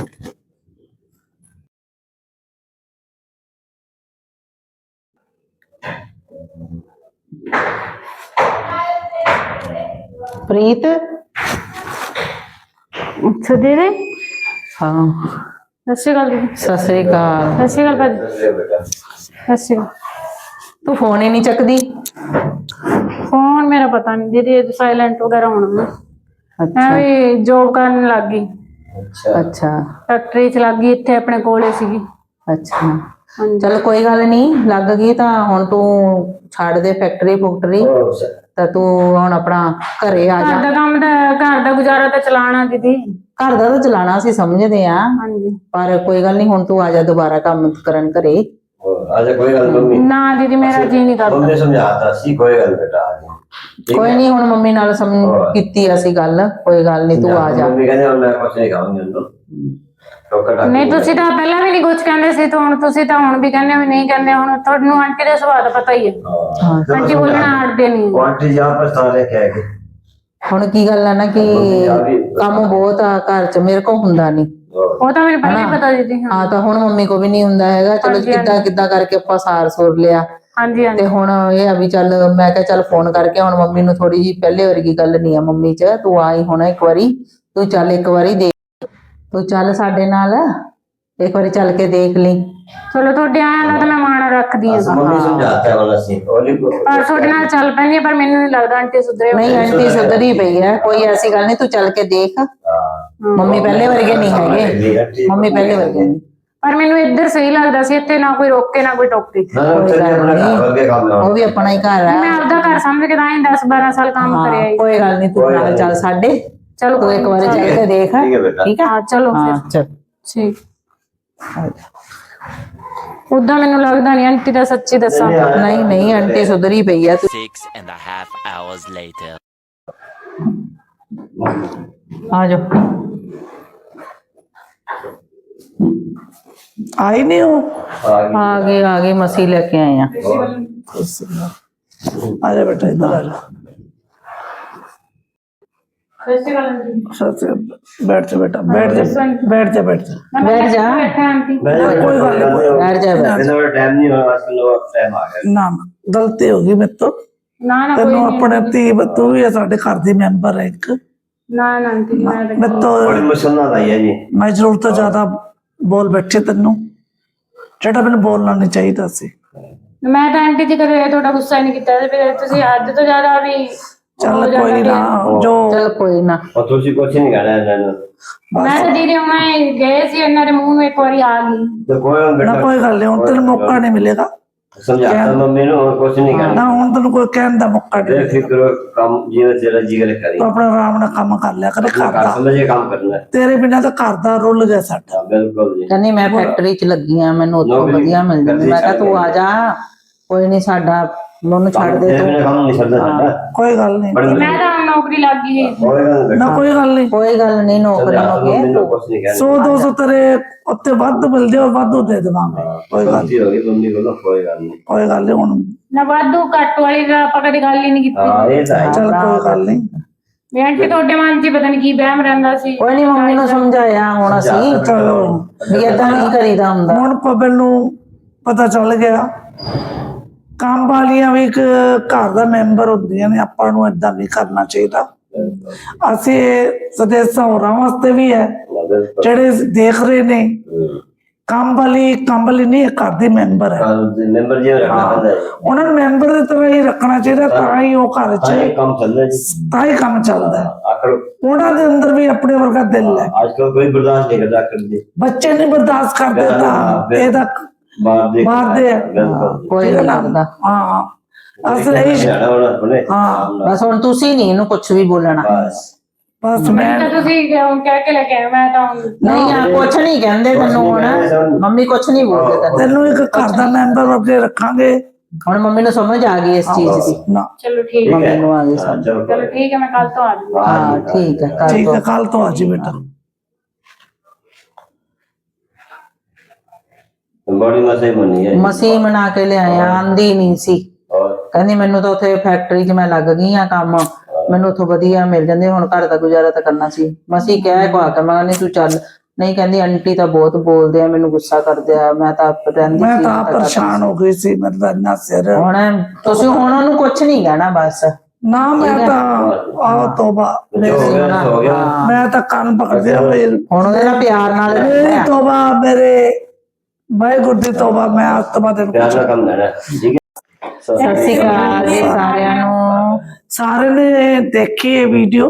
Speaker 4: ਪ੍ਰੀਤ,
Speaker 2: ਅੱਛਾ ਦੀਦੀ,
Speaker 4: ਹਾਂ
Speaker 2: ਸਤਿ ਸ਼੍ਰੀ ਅਕਾਲ ਦੀਦੀ।
Speaker 4: ਸਤਿ ਸ੍ਰੀ ਅਕਾਲ।
Speaker 2: ਸਤਿ ਸ਼੍ਰੀ ਅਕਾਲ ਭਾਜੀ।
Speaker 3: ਬੇਟਾ
Speaker 2: ਸਤਿ ਸ਼੍ਰੀ ਅਕਾਲ।
Speaker 4: ਤੂੰ ਫੋਨ ਹੀ ਨਹੀਂ ਚੱਕਦੀ।
Speaker 2: ਫੋਨ ਮੇਰਾ ਪਤਾ ਨਹੀਂ ਦੀਦੀ, ਸਾਇਲੈਂਟ ਵਗੈਰਾ ਹੋਣਾ ਮੈਂ
Speaker 4: ਅੱਛਾ
Speaker 2: ਵੀ ਜੋਬ ਕਰਨ ਲੱਗ ਗਈ,
Speaker 3: ਅੱਛਾ
Speaker 4: ਅੱਛਾ
Speaker 2: ਫੈਕਟਰੀ ਚ ਲੱਗ ਗਈ, ਇੱਥੇ ਆਪਣੇ ਕੋਲੇ ਸੀਗੀ।
Speaker 4: ਅੱਛਾ
Speaker 2: ਹਾਂਜੀ
Speaker 4: ਚਲ ਕੋਈ ਗੱਲ ਨਹੀਂ, ਲੱਗ ਗਈ ਤਾਂ ਹੁਣ ਤੂੰ ਛੱਡ ਦੇ ਫੈਕਟਰੀ ਫੁਕਟਰੀ,
Speaker 3: ਹੋਰ ਸ-
Speaker 4: ਤਾਂ ਤੂੰ ਹੁਣ ਆਪਣਾ ਘਰੇ ਆ
Speaker 2: ਘਰ
Speaker 4: ਜਾ।
Speaker 2: ਦਾ ਕੰਮ ਤਾਂ, ਘਰ ਦਾ ਗੁਜ਼ਾਰਾ ਤਾਂ ਚਲਾਣਾ ਦੀਦੀ।
Speaker 4: ਘਰ ਦਾ ਤਾਂ ਚਲਾਣਾ ਅਸੀਂ ਸਮਝਦੇ ਆ,
Speaker 2: ਹਾਂਜੀ
Speaker 4: ਪਰ ਕੋਈ ਗੱਲ ਨਹੀਂ, ਹੁਣ ਤੂੰ ਆ ਜਾ ਦੁਬਾਰਾ ਕੰਮ ਕਰਨ ਘਰੇ।
Speaker 3: ਹੋਰ, ਆ ਜਾ ਕੋਈ ਗੱਲ ਨੀ, ਮੰਮੀ
Speaker 2: ਨਾ ਦੀਦੀ, ਮੇਰਾ ਜੀ ਨਹੀਂ ਕਰਦਾ।
Speaker 3: ਮੰਮੀ ਸਮਝਾਤਾ ਸੀ, ਕੋਈ ਗੱਲ ਬੇਟਾ ਆ ਜਾ। ਠੀਕ
Speaker 4: ਕੋਈ
Speaker 3: ਹੈ?
Speaker 4: ਨਹੀਂ, ਹੁਣ ਮੰਮੀ ਨਾਲ ਸਮ
Speaker 3: ਹੋਰ।
Speaker 4: ਕੀਤੀ ਅਸੀਂ ਗੱਲ, ਕੋਈ ਗੱਲ ਨਹੀਂ, ਤੂੰ ਆ ਜਾ।
Speaker 3: ਮੰਮੀ ਕਹਿੰਦੇ ਹੁਣ ਮੈਂ ਕੁਛ ਨਹੀਂ ਖਾਵਾਂਗੀ ਉਹਨੂੰ ਟੋਕਾ ਟਾਕੀ
Speaker 2: ਨਹੀਂ ਤੁਸੀਂ ਤਾਂ ਪਹਿਲਾਂ ਵੀ ਨਹੀਂ ਕੁਝ ਕਹਿੰਦੇ ਸੀ, ਤਾਂ ਹੁਣ ਤੁਸੀਂ ਤਾਂ ਹੁਣ ਵੀ ਕਹਿੰਦੇ ਹੋ ਵੀ ਨਹੀਂ ਕਹਿੰਦੇ। ਹੁਣ ਤੁਹਾਨੂੰ ਆਂਟੀ ਦੇ ਸੁਭਾਅ ਦਾ ਪਤਾ ਹੀ ਹੈ,
Speaker 4: ਹਾਂ
Speaker 2: ਆਂਟੀ ਬੋਲਣਾ ਅੜਦੇ ਨਹੀਂ।
Speaker 3: ਉਹ ਆਂਟੀ ਜਾਂ ਪਛਤਾਣੇ ਕਹਿ ਕੇ
Speaker 4: ਹੁਣ ਕੀ ਗੱਲ ਆ ਨਾ ਕਿ ਕੰਮ ਬਹੁਤ ਆ ਘਰ ਚ, ਮੇਰੇ ਕੋਲ ਹੁੰਦਾ ਨਹੀਂ।
Speaker 2: ਉਹ ਤਾਂ ਮੈਨੂੰ ਪਹਿਲਾਂ ਹੀ ਪਤਾ ਦੀਦੀ। ਹਾਂ
Speaker 4: ਹਾਂ ਤਾਂ ਹੁਣ ਮੰਮੀ ਕੋ ਵੀ ਨਹੀਂ ਹੁੰਦਾ ਹੈਗਾ। ਚਲੋ
Speaker 2: ਹਾਂਜੀ,
Speaker 4: ਕਿੱਦਾਂ ਕਿੱਦਾਂ ਕਰਕੇ ਆਪਾਂ ਸਾਰ ਸੁਰ ਲਿਆ,
Speaker 2: ਹਾਂਜੀ ਹਾਂਜੀ
Speaker 4: ਤੇ ਹੁਣ ਇਹ ਆ ਵੀ ਚੱਲ ਮੈਂ ਕਿਹਾ ਚੱਲ ਫੋਨ ਕਰਕੇ ਹੁਣ ਮੰਮੀ ਨੂੰ ਥੋੜੀ ਜੀ ਪਹਿਲੇ ਵਰਗੀ ਗੱਲ ਨਹੀਂ ਆ ਮੰਮੀ ਚ, ਤੂੰ ਆਈ ਹੁਣ ਇੱਕ ਵਾਰੀ, ਤੂੰ ਚੱਲ ਇੱਕ ਵਾਰੀ ਦੇਖ, ਤੂੰ ਚੱਲ ਸਾਡੇ ਨਾਲ ਇੱਕ ਵਾਰੀ ਚੱਲ ਕੇ ਦੇਖ ਲਈ।
Speaker 2: ਚਲੋ ਤੁਹਾਡੇ ਆਇਆ ਨਾ ਤਾਂ ਮੈਂ ਮਾਣ ਰੱਖਦੀ ਹਾਂ,
Speaker 3: ਮੰਮੀ ਸਮਝਾਤਾ ਹੁਣ ਅਸੀਂ ਉਹਨੇ ਕੋ
Speaker 2: ਪਰ ਤੁਹਾਡੇ ਨਾਲ ਚੱਲ ਪੈਂਦੀ ਹੈ, ਪਰ ਮੈਨੂੰ ਨਹੀਂ ਲੱਗਦਾ ਆਂਟੀ ਸੁਧਰੇ ਹੋਏ।
Speaker 4: ਨਹੀਂ ਆਂਟੀ ਸੁਧਰੀ ਪਈ ਹੈ, ਕੋਈ ਐਸੀ ਗੱਲ ਨਹੀਂ, ਤੂੰ ਚੱਲ ਕੇ ਦੇਖ। ਮੰਮੀ ਪਹਿਲੇ ਵਰਗੇ ਨਹੀਂ ਹੈਗੇ, ਮੰਮੀ ਪਹਿਲੇ ਵਰਗੇ ਨਹੀਂ।
Speaker 2: ਪਰ ਮੈਨੂੰ ਇੱਧਰ ਸਹੀ ਲੱਗਦਾ ਸੀ, ਇੱਥੇ ਨਾ ਕੋਈ ਰੋਕੇ ਨਾ ਕੋਈ ਟੋਕੇ।
Speaker 3: ਨਾ ਨਾ ਉੱਥੇ ਆਪਣਾ ਘਰ ਵਰਗੇ ਕੰਮ ਲਾਉਣਾ।
Speaker 4: ਉਹ ਵੀ ਆਪਣਾ ਹੀ ਘਰ ਹੈ।
Speaker 2: ਮੈਂ ਆਪਦਾ ਘਰ ਸਮਝ ਕੇ ਤਾਂ ਹੀ ਦਸ ਬਾਰਾਂ ਸਾਲ ਕੰਮ
Speaker 4: ਹਾਂ,
Speaker 2: ਕਰਿਆ ਹੀ।
Speaker 4: ਕੋਈ ਗੱਲ ਨਹੀਂ, ਤੂੰ ਨਾਲ ਚੱਲ ਸਾਡੇ,
Speaker 2: ਚਲੋ
Speaker 4: ਤੂੰ ਇੱਕ ਵਾਰੀ ਚੱਲ ਕੇ ਦੇਖ।
Speaker 3: ਠੀਕ ਹੈ ਬੇਟਾ।
Speaker 4: ਠੀਕ ਹੈ,
Speaker 2: ਹਾਂ ਚਲੋ
Speaker 4: ਹਾਂ
Speaker 2: ਫਿਰ
Speaker 4: ਚੱਲ।
Speaker 2: ਠੀਕ। ਉਦਾਂ ਮੈਨੂੰ ਲੱਗਦਾ ਨਹੀਂ ਆਂਟੀ ਦਾ, ਸੱਚੀ ਦੱਸਾਂ।
Speaker 4: ਨਹੀਂ ਨਹੀਂ ਆਂਟੀ ਸੁਧਰੀ ਪਈ ਆ। ਤੂੰ
Speaker 5: Six and a half hours later.
Speaker 4: ਆ ਜਾ।
Speaker 1: ਆਈ ਨਹੀਂ ਉਹ,
Speaker 3: ਆ ਗਈ।
Speaker 4: ਆ ਗਏ ਆ ਗਏ, ਮਸੀਂ ਲੈ ਕੇ ਆਏ ਆ।
Speaker 1: ਆ ਜਾ ਬੇਟਾ, ਇੱਧਰ ਆ ਜਾ।
Speaker 2: ਸਤਿ ਸ਼੍ਰੀ ਅਕਾਲ ਆਂਟੀ।
Speaker 1: सच बैठ जा बेटा, बैठ जा, बैठ जा, बैठ जा।
Speaker 4: बैठ जा।
Speaker 2: ਬੈਠਾ ਆਂਟੀ।
Speaker 3: मैं
Speaker 1: कोई बात नहीं,
Speaker 4: बैठ जा, बैठ
Speaker 3: इतना टाइम नहीं हुआ आजकल लोग टाइम आ गया
Speaker 1: ना ना गलती होगी मेरे तो।
Speaker 2: ਨਾ ਨਾ ਕੋਈ
Speaker 1: ਤੈਨੂੰ
Speaker 2: ਨਹੀਂ
Speaker 1: ਆਪਣੇ ਧੀ ਤੂੰ ਵੀ ਸਾਡੇ ਘਰ ਦੀ ਮੈਂਬਰ ਹੈ ਇੱਕ।
Speaker 2: ਨਾ ਨਾ ਆਂਟੀ ਮੈਂ ਤਾਂ
Speaker 1: ਮੈਂ ਤਾਂ
Speaker 3: बड़ी मुश्किल आई है जी
Speaker 1: ਮੈਂ ਜ਼ਰੂਰਤ ਤੋਂ ਜ਼ਿਆਦਾ ਬੋਲ ਬੈਠੇ ਤੈਨੂੰ, ਜਿਹੜਾ ਮੈਨੂੰ ਬੋਲਣਾ ਨਹੀਂ ਚਾਹੀਦਾ ਸੀ।
Speaker 2: ਮੈਂ ਤਾਂ ਆਂਟੀ ਜੀ ਕਦੇ ਤੁਹਾਡਾ ਗੁੱਸਾ ਨਹੀਂ ਕੀਤਾ ਤੇ ਫਿਰ ਤੁਸੀਂ ਹੱਦ ਤੋਂ ਜ਼ਿਆਦਾ ਵੀ
Speaker 1: ਚੱਲ ਕੋਈ ਨਾ, ਜੋ
Speaker 4: चल कोई ना।
Speaker 3: और तुझे कुछ नहीं कहना है इन्होंने।
Speaker 2: ਮੈਂ ਤਾਂ ਦੀਦੀ ਹੁਣੇ ਗਏ ਸੀ ਇਹਨਾਂ ਦੇ ਮੂੰਹ ਨੂੰ ਇੱਕ ਵਾਰੀ ਆ ਗਈ।
Speaker 3: तो कोई हम
Speaker 1: ਨਾ
Speaker 3: बेटा
Speaker 1: ਕੋਈ ਗੱਲ ਨਹੀਂ, ਹੁਣ ਤੈਨੂੰ ਮੌਕਾ ਨਹੀਂ ਮਿਲੇਗਾ
Speaker 3: समझाता मम्मी ने और कुछ नहीं कहना
Speaker 1: ਨਾ, ਹੁਣ ਤੈਨੂੰ ਕੋਈ ਕਹਿਣ ਦਾ ਮੌਕਾ ਨਹੀਂ ਮਿਲੇਗਾ।
Speaker 3: बेफिक्र काम जीवन तेरा जी करे करी
Speaker 1: ਤੂੰ अपना ਆਰਾਮ ਨਾਲ ਕੰਮ ਕਰ ਲਿਆ ਕਰ
Speaker 3: अपना
Speaker 1: ਘਰ
Speaker 3: घर
Speaker 1: ਦਾ।
Speaker 3: समझे काम करना है
Speaker 1: ਤੇਰੇ ਬਿਨਾਂ ਤਾਂ ਘਰ ਦਾ ਰੁੱਲ ਗਿਆ ਸਾਡਾ।
Speaker 3: हाँ, बिल्कुल जी
Speaker 4: ਕਹਿੰਦੀ ਮੈਂ ਫੈਕਟਰੀ 'ਚ ਲੱਗੀ ਆ, ਮੈਨੂੰ ਉੱਥੋਂ
Speaker 3: ਨੌਕਰੀ
Speaker 4: ਵਧੀਆ ਮਿਲ ਜਾਂਦੀ। ਮੈਂ ਕਿਹਾ ਤੂੰ ਆ ਜਾ, ਕੋਈ ਨਹੀਂ, ਸਾਡਾ ਮੈਨੂੰ ਛੱਡ ਦੇ
Speaker 3: तेरे
Speaker 4: ਤੂੰ।
Speaker 3: बिना काम नहीं चलता साडा
Speaker 1: ਕੋਈ ਗੱਲ ਨਹੀਂ,
Speaker 3: बड़ी
Speaker 2: ਮੈਂ ਤਾਂ ਹੁਣ ਨੌਕਰੀ ਲੱਗ ਗਈ।
Speaker 3: कोई गल नहीं
Speaker 1: ਨਾ ਕੋਈ ਗੱਲ ਨਹੀਂ।
Speaker 4: ਕੋਈ ਗੱਲ ਨਹੀਂ, ਨੌਕਰੀ
Speaker 3: समझाता
Speaker 4: ਹੋ
Speaker 3: मम्मी
Speaker 4: ਗਈ
Speaker 3: ने कुछ नहीं कहना
Speaker 1: ਸੌ ਦੋ ਸੌ ਤੇਰੇ ਉੱਤੇ ਵੱਧ ਮਿਲਦੇ ਹੋ, ਵਾਧੂ ਦੇ ਦੇਵਾਂਗੇ। ਕੋਈ ਗੱਲ
Speaker 3: गलती होगी मम्मी को कोई गल नहीं
Speaker 1: ਕੋਈ ਗੱਲ ਨਹੀਂ ਹੁਣ।
Speaker 2: ਨਾ ਵਾਧੂ ਘੱਟ ਵਾਲੀ ਦਾ ਆਪਾਂ ਕਦੇ ਗੱਲ ਹੀ ਨਹੀਂ ਕੀਤੀ।
Speaker 3: हाँ ये तो है
Speaker 1: ਚੱਲ ਕੋਈ ਗੱਲ ਨਹੀਂ,
Speaker 2: ਵੀ ਆਂਟੀ ਤੁਹਾਡੇ ਮਨ 'ਚ ਪਤਾ ਨਹੀਂ ਕੀ ਵਹਿਮ ਰਹਿੰਦਾ ਸੀ।
Speaker 4: ਕੋਈ ਨਹੀਂ, ਮੰਮੀ ਨੂੰ ਸਮਝਾਇਆ ਹੁਣ ਅਸੀਂ
Speaker 1: ਚਲੋ
Speaker 4: ਵੀ ਏਦਾਂ ਨਹੀਂ ਕਰੀਦਾ ਹੁੰਦਾ।
Speaker 1: ਹੁਣ ਪਬਲ ਨੂੰ ਪਤਾ ਚੱਲ ਗਿਆ। ਕੰਮ ਵਾਲੀਆਂ ਵੀ ਇੱਕ ਘਰ ਦਾ ਮੈਂਬਰ ਹੁੰਦੀਆਂ ਨੇ, ਆਪਾਂ ਨੂੰ ਏਦਾਂ ਨਹੀਂ ਕਰਨਾ ਚਾਹੀਦਾ। ਅਸੀਂ ਸਦੇਸਾਂ ਹੋਰਾਂ ਵਾਸਤੇ ਵੀ ਹੈ ਜਿਹੜੇ ਦੇਖ ਰਹੇ ਨੇ। ਕੰਮ ਵਾਲੀ ਕੰਮ ਵਾਲੀ ਨਹੀਂ, ਘਰ ਦੀ ਮੈਂਬਰ ਹੈ।
Speaker 3: मेंबर जी रखना पड़ता है
Speaker 1: ਉਹਨਾਂ ਨੂੰ ਮੈਂਬਰ ਦੀ ਤਰ੍ਹਾਂ ਹੀ ਰੱਖਣਾ ਚਾਹੀਦਾ, ਤਾਂ ਹੀ ਉਹ ਘਰ 'ਚ
Speaker 3: हाँ, ये काम चल रहा है जी
Speaker 1: ਤਾਂ ਹੀ ਕੰਮ ਚੱਲਦਾ ਹੈ।
Speaker 3: आखिर
Speaker 1: ਉਹਨਾਂ ਦੇ ਅੰਦਰ ਵੀ ਆਪਣੇ ਵਰਗਾ ਦਿਲ ਹੈ।
Speaker 3: आजकल कोई बर्दाश्त नहीं करता आखिर जी
Speaker 1: ਬੱਚੇ ਨਹੀਂ ਬਰਦਾਸ਼ਤ ਕਰਦੇ ਤਾਂ ਇਹਦਾ
Speaker 3: बाहर देख
Speaker 1: ਬਾਹਰ ਦੇ
Speaker 3: बिल्कुल
Speaker 4: ਕੋਈ ਨਹੀਂ ਲੱਗਦਾ।
Speaker 1: ਹਾਂ ਅਸਲ ਇਹ
Speaker 3: जाना होना अपने
Speaker 1: ਹਾਂ
Speaker 4: ਬਸ ਹੁਣ ਤੁਸੀਂ ਨਹੀਂ ਇਹਨੂੰ ਕੁਝ ਵੀ ਬੋਲਣਾ।
Speaker 3: बस
Speaker 1: ਬਸ
Speaker 2: ਮੈਂ
Speaker 1: ਮੈਂ
Speaker 2: ਤਾਂ ਤੁਸੀਂ ਹੁਣ ਕਹਿ ਕੇ ਲੈ ਕੇ ਆਏ, ਮੈਂ ਤਾਂ ਹੁਣ
Speaker 4: ਨਹੀਂ ਆ ਕੁਝ ਨਹੀਂ ਕਹਿੰਦੇ ਤੈਨੂੰ ਹੁਣ, ਮੰਮੀ ਕੁਝ ਨਹੀਂ ਬੋਲਦੇ ਤੈਨੂੰ।
Speaker 1: ਤੈਨੂੰ ਇੱਕ ਘਰ ਦਾ ਮੈਂਬਰ ਅੱਗੇ ਰੱਖਾਂਗੇ
Speaker 4: ਹੁਣ ਮੰਮੀ ਨੂੰ ਸਮਝ ਆ ਗਈ ਇਸ ਚੀਜ਼ ਦੀ।
Speaker 1: ਨਾ।
Speaker 2: ਚਲੋ ਠੀਕ ਹੈ।
Speaker 4: ਮੰਮੀ ਨੂੰ ਆ ਗਈ
Speaker 3: हाँ,
Speaker 4: ਸਮਝ।
Speaker 3: चलो
Speaker 2: ਚਲੋ ਠੀਕ ਹੈ, ਮੈਂ ਕੱਲ ਤੋਂ ਆ ਜਾਊਂਗੀ।
Speaker 4: ਹਾਂ ਠੀਕ ਹੈ, ਕਰ
Speaker 1: ਠੀਕ
Speaker 4: ਦੋ।
Speaker 1: ਹੈ, ਕੱਲ ਤੋਂ ਆ ਜੀ ਬੇਟਾ।
Speaker 3: बड़ी मसे बनी है
Speaker 4: ਮਸੀਂ ਬਣਾ ਕੇ ਲਿਆਇਆ, ਆਂਦੀ ਨਹੀਂ ਸੀ।
Speaker 3: और
Speaker 4: ਕਹਿੰਦੀ ਮੈਨੂੰ ਤਾਂ ਉੱਥੇ ਫੈਕਟਰੀ 'ਚ ਮੈਂ ਲੱਗ ਗਈ ਆ ਕੰਮ, ਮੈਨੂੰ ਉੱਥੋਂ ਵਧੀਆ ਮਿਲ ਜਾਂਦੇ, ਹੁਣ ਘਰ ਦਾ ਗੁਜ਼ਾਰਾ ਤਾਂ ਕਰਨਾ ਸੀ। ਮਸੀਂ ਕਹਿ ਕੋ ਆ ਕੇ ਮੈਂ ਨਹੀਂ ਤੂੰ ਚੱਲ, ਨਹੀਂ ਕਹਿੰਦੀ ਆਂਟੀ ਤਾਂ ਬਹੁਤ ਬੋਲਦੇ ਆ, ਮੈਨੂੰ ਗੁੱਸਾ ਕਰਦੇ ਆ, ਮੈਂ ਤਾਂ ਆਪ ਰਹਿੰਦੀ
Speaker 1: ਮੈਂ
Speaker 4: ਸੀ।
Speaker 1: ਤਾਂ ਆਪ ਪਰੇਸ਼ਾਨ ਹੋ ਗਈ ਸੀ, ਮੇਰਾ ਤਾਂ ਇੰਨਾ ਸਿਰ।
Speaker 4: ਹੁਣ ਤੁਸੀਂ ਹੁਣ ਉਹਨੂੰ ਕੁਝ ਨਹੀਂ ਕਹਿਣਾ ਬਸ।
Speaker 1: ਨਾ ਮੈਂ ਤਾਂ ਆਹ ਤੋਬਾ,
Speaker 3: जो हो गया सो हो गया
Speaker 4: ਹਾਂ,
Speaker 1: ਮੈਂ ਤਾਂ ਕੰਨ ਪਕੜਿਆ ਮੇਰੀ
Speaker 4: ਹੁਣ ਉਹਦੇ ਨਾਲ ਪਿਆਰ ਨਾਲ ਰਹਿਣਾ ਹੈ।
Speaker 1: ਤੋਬਾ, ਮੇਰੇ ਵਾਹਿਗੁਰੂ ਦੀ ਤੋਬਾ। ਮੈਂ ਅੱਜ ਤੋਂ ਬਾਅਦ ਇਹਨੂੰ
Speaker 3: प्यार ना कम लेना ठीक है
Speaker 4: ਸਤਿ ਸ਼੍ਰੀ ਅਕਾਲ ਜੀ ਸਾਰਿਆਂ ਨੂੰ।
Speaker 1: ਸਾਰੇ ਨੇ ਦੇਖੀ ਇਹ ਵੀਡੀਓ,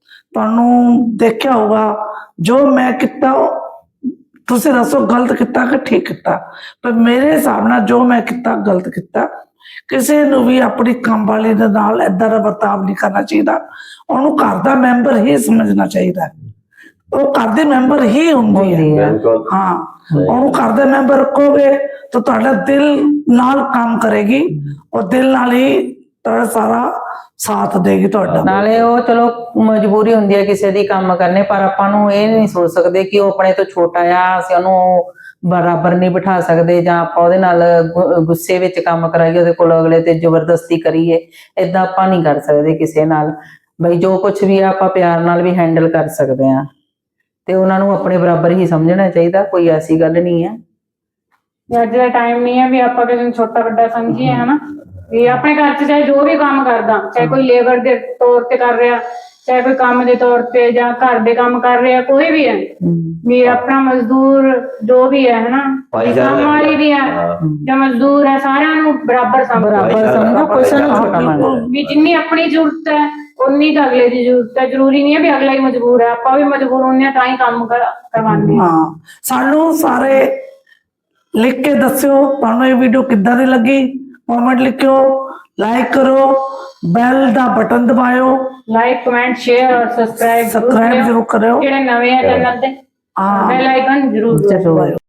Speaker 1: ਤੁਹਾਨੂੰ ਦੇਖਿਆ ਹੋਗਾ। ਜੋ ਮੈਂ ਕੀਤਾ ਉਹ ਤੁਸੀਂ ਦੱਸੋ ਗਲਤ ਕੀਤਾ ਕਿ ਠੀਕ ਕੀਤਾ, ਪਰ ਮੇਰੇ ਹਿਸਾਬ ਨਾਲ ਜੋ ਮੈਂ ਕੀਤਾ ਗਲਤ ਕੀਤਾ। ਕਿਸੇ ਨੂੰ ਵੀ ਆਪਣੀ ਕੰਮ ਵਾਲੀ ਦੇ ਨਾਲ ਏਦਾਂ ਦਾ ਵਰਤਾਵ ਨਹੀਂ ਕਰਨਾ ਚਾਹੀਦਾ। ਉਹਨੂੰ ਘਰ ਦਾ ਮੈਂਬਰ ਹੀ ਸਮਝਣਾ ਚਾਹੀਦਾ। ਉਹ ਘਰ ਦੇ ਮੈਂਬਰ ਹੀ ਹੁੰਦੀ ਹੈ।
Speaker 3: बिल्कुल
Speaker 1: ਹਾਂ, ਉਹਨੂੰ ਘਰ ਦੇ ਮੈਂਬਰ ਰੱਖੋਗੇ ਤਾਂ ਤੁਹਾਡਾ ਦਿਲ ਨਾਲ ਕੰਮ ਕਰੇਗੀ, ਉਹ ਦਿਲ ਨਾਲ ਹੀ ਤੁਹਾਡਾ ਸਾਰਾ ਸਾਥ ਦੇਗੀ ਤੁਹਾਡਾ।
Speaker 4: ਨਾਲੇ ਉਹ ਚਲੋ ਮਜਬੂਰੀ ਹੁੰਦੀ ਹੈ ਕਿਸੇ ਦੀ ਕੰਮ ਕਰਨੇ, ਪਰ ਆਪਾਂ ਨੂੰ ਇਹ ਨਹੀਂ ਸੋਚ ਸਕਦੇ ਕਿ ਉਹ ਆਪਣੇ ਤੋਂ ਛੋਟਾ ਆ, ਅਸੀਂ ਉਹਨੂੰ ਬਰਾਬਰ ਨਹੀਂ ਬਿਠਾ ਸਕਦੇ, ਜਾਂ ਆਪਾਂ ਉਹਦੇ ਨਾਲ ਗੁ- ਗੁੱਸੇ ਵਿੱਚ ਕੰਮ ਕਰਾਈਏ, ਉਹਦੇ ਕੋਲ ਅਗਲੇ ਤੇ ਜ਼ਬਰਦਸਤੀ ਕਰੀਏ। ਏਦਾਂ ਆਪਾਂ ਨਹੀਂ ਕਰ ਸਕਦੇ ਕਿਸੇ ਨਾਲ। ਬਈ ਜੋ ਕੁਝ ਵੀ ਆ ਆਪਾਂ ਪਿਆਰ ਨਾਲ ਵੀ ਹੈਂਡਲ ਕਰ ਸਕਦੇ ਆ, ਤੇ ਉਹਨਾਂ ਨੂੰ ਆਪਣੇ ਬਰਾਬਰ ਹੀ ਸਮਝਣਾ ਚਾਹੀਦਾ। ਕੋਈ ਐਸੀ ਗੱਲ ਨਹੀਂ ਹੈ।
Speaker 2: ਵੀ ਅੱਜ ਦਾ ਟਾਈਮ ਨਹੀਂ ਹੈ ਵੀ ਆਪਾਂ ਕਿਸੇ ਨੂੰ ਛੋਟਾ ਵੱਡਾ ਸਮਝੀਏ, ਹਨਾ। ਵੀ ਆਪਣੇ ਘਰ 'ਚ ਚਾਹੇ ਜੋ ਵੀ ਕੰਮ ਕਰਦਾ, ਚਾਹੇ ਕੋਈ ਲੇਬਰ ਦੇ ਤੌਰ ਤੇ ਕਰ ਰਿਹਾ, ਚਾਹੇ ਕੋਈ ਕੰਮ ਦੇ ਤੌਰ ਤੇ, ਜਾਂ ਘਰ ਦੇ ਕੰਮ ਕਰ ਰਿਹਾ, ਕੋਈ ਵੀ ਹੈ, ਵੀ ਆਪਣਾ ਮਜ਼ਦੂਰ ਜੋ ਵੀ ਹੈ, ਹਨਾ, ਵੀ ਕੰਮ ਵਾਲੀ ਵੀ ਹੈ ਜਾਂ ਮਜ਼ਦੂਰ ਹੈ, ਸਾਰਿਆਂ ਨੂੰ ਬਰਾਬਰ ਸਮਝੋ।
Speaker 4: ਬਰਾਬਰ ਸਮਝੋ, ਕੋਈ ਸਾਨੂੰ ਛੋਟਾ ਮੰਨਦਾ।
Speaker 2: ਵੀ ਜਿੰਨੀ ਆਪਣੀ ਜ਼ਰੂਰਤ ਹੈ ਉਨੀ ਤਾਂ ਅਗਲੇ ਦੀ ਜ਼ਰੂਰਤ ਹੈ। ਜ਼ਰੂਰੀ ਨਹੀਂ ਹੈ ਵੀ ਅਗਲਾ ਹੀ ਮਜਬੂਰ ਹੈ, ਆਪਾਂ ਵੀ ਮਜਬੂਰ ਹੁੰਦੇ ਹਾਂ ਤਾਂ ਹੀ ਕੰਮ ਕਰ- ਕਰਵਾਉਂਦੇ ਹਾਂ।
Speaker 1: ਹਾਂ, ਸਾਨੂੰ ਸਾਰੇ ਲਿਖ ਕੇ ਦੱਸਿਓ ਤੁਹਾਨੂੰ ਇਹ ਵੀਡੀਓ ਕਿੱਦਾਂ ਦੀ ਲੱਗੀ। ਕਮੈਂਟ ਲਿਖਿਓ, ਲਾਈਕ ਕਰੋ, ਬੈਲ ਦਾ ਬਟਨ ਦਬਾਇਓ,
Speaker 2: ਲਾਈਕ ਕਮੈਂਟ ਸ਼ੇਅਰ ਔਰ ਸਬਸਕ੍ਰਾਈਬ
Speaker 1: ਸਬਸਕ੍ਰਾਈਬ ਜ਼ਰੂਰ ਕਰਿਓ।
Speaker 2: ਜਿਹੜੇ ਨਵੇਂ ਆ ਚੈਨਲ ਤੇ
Speaker 1: ਹਾਂ
Speaker 2: ਬੈਲ ਆਈਕਨ ਜ਼ਰੂਰ ਦਬਾਇਓ।
Speaker 4: ਜ਼ਰੂਰ।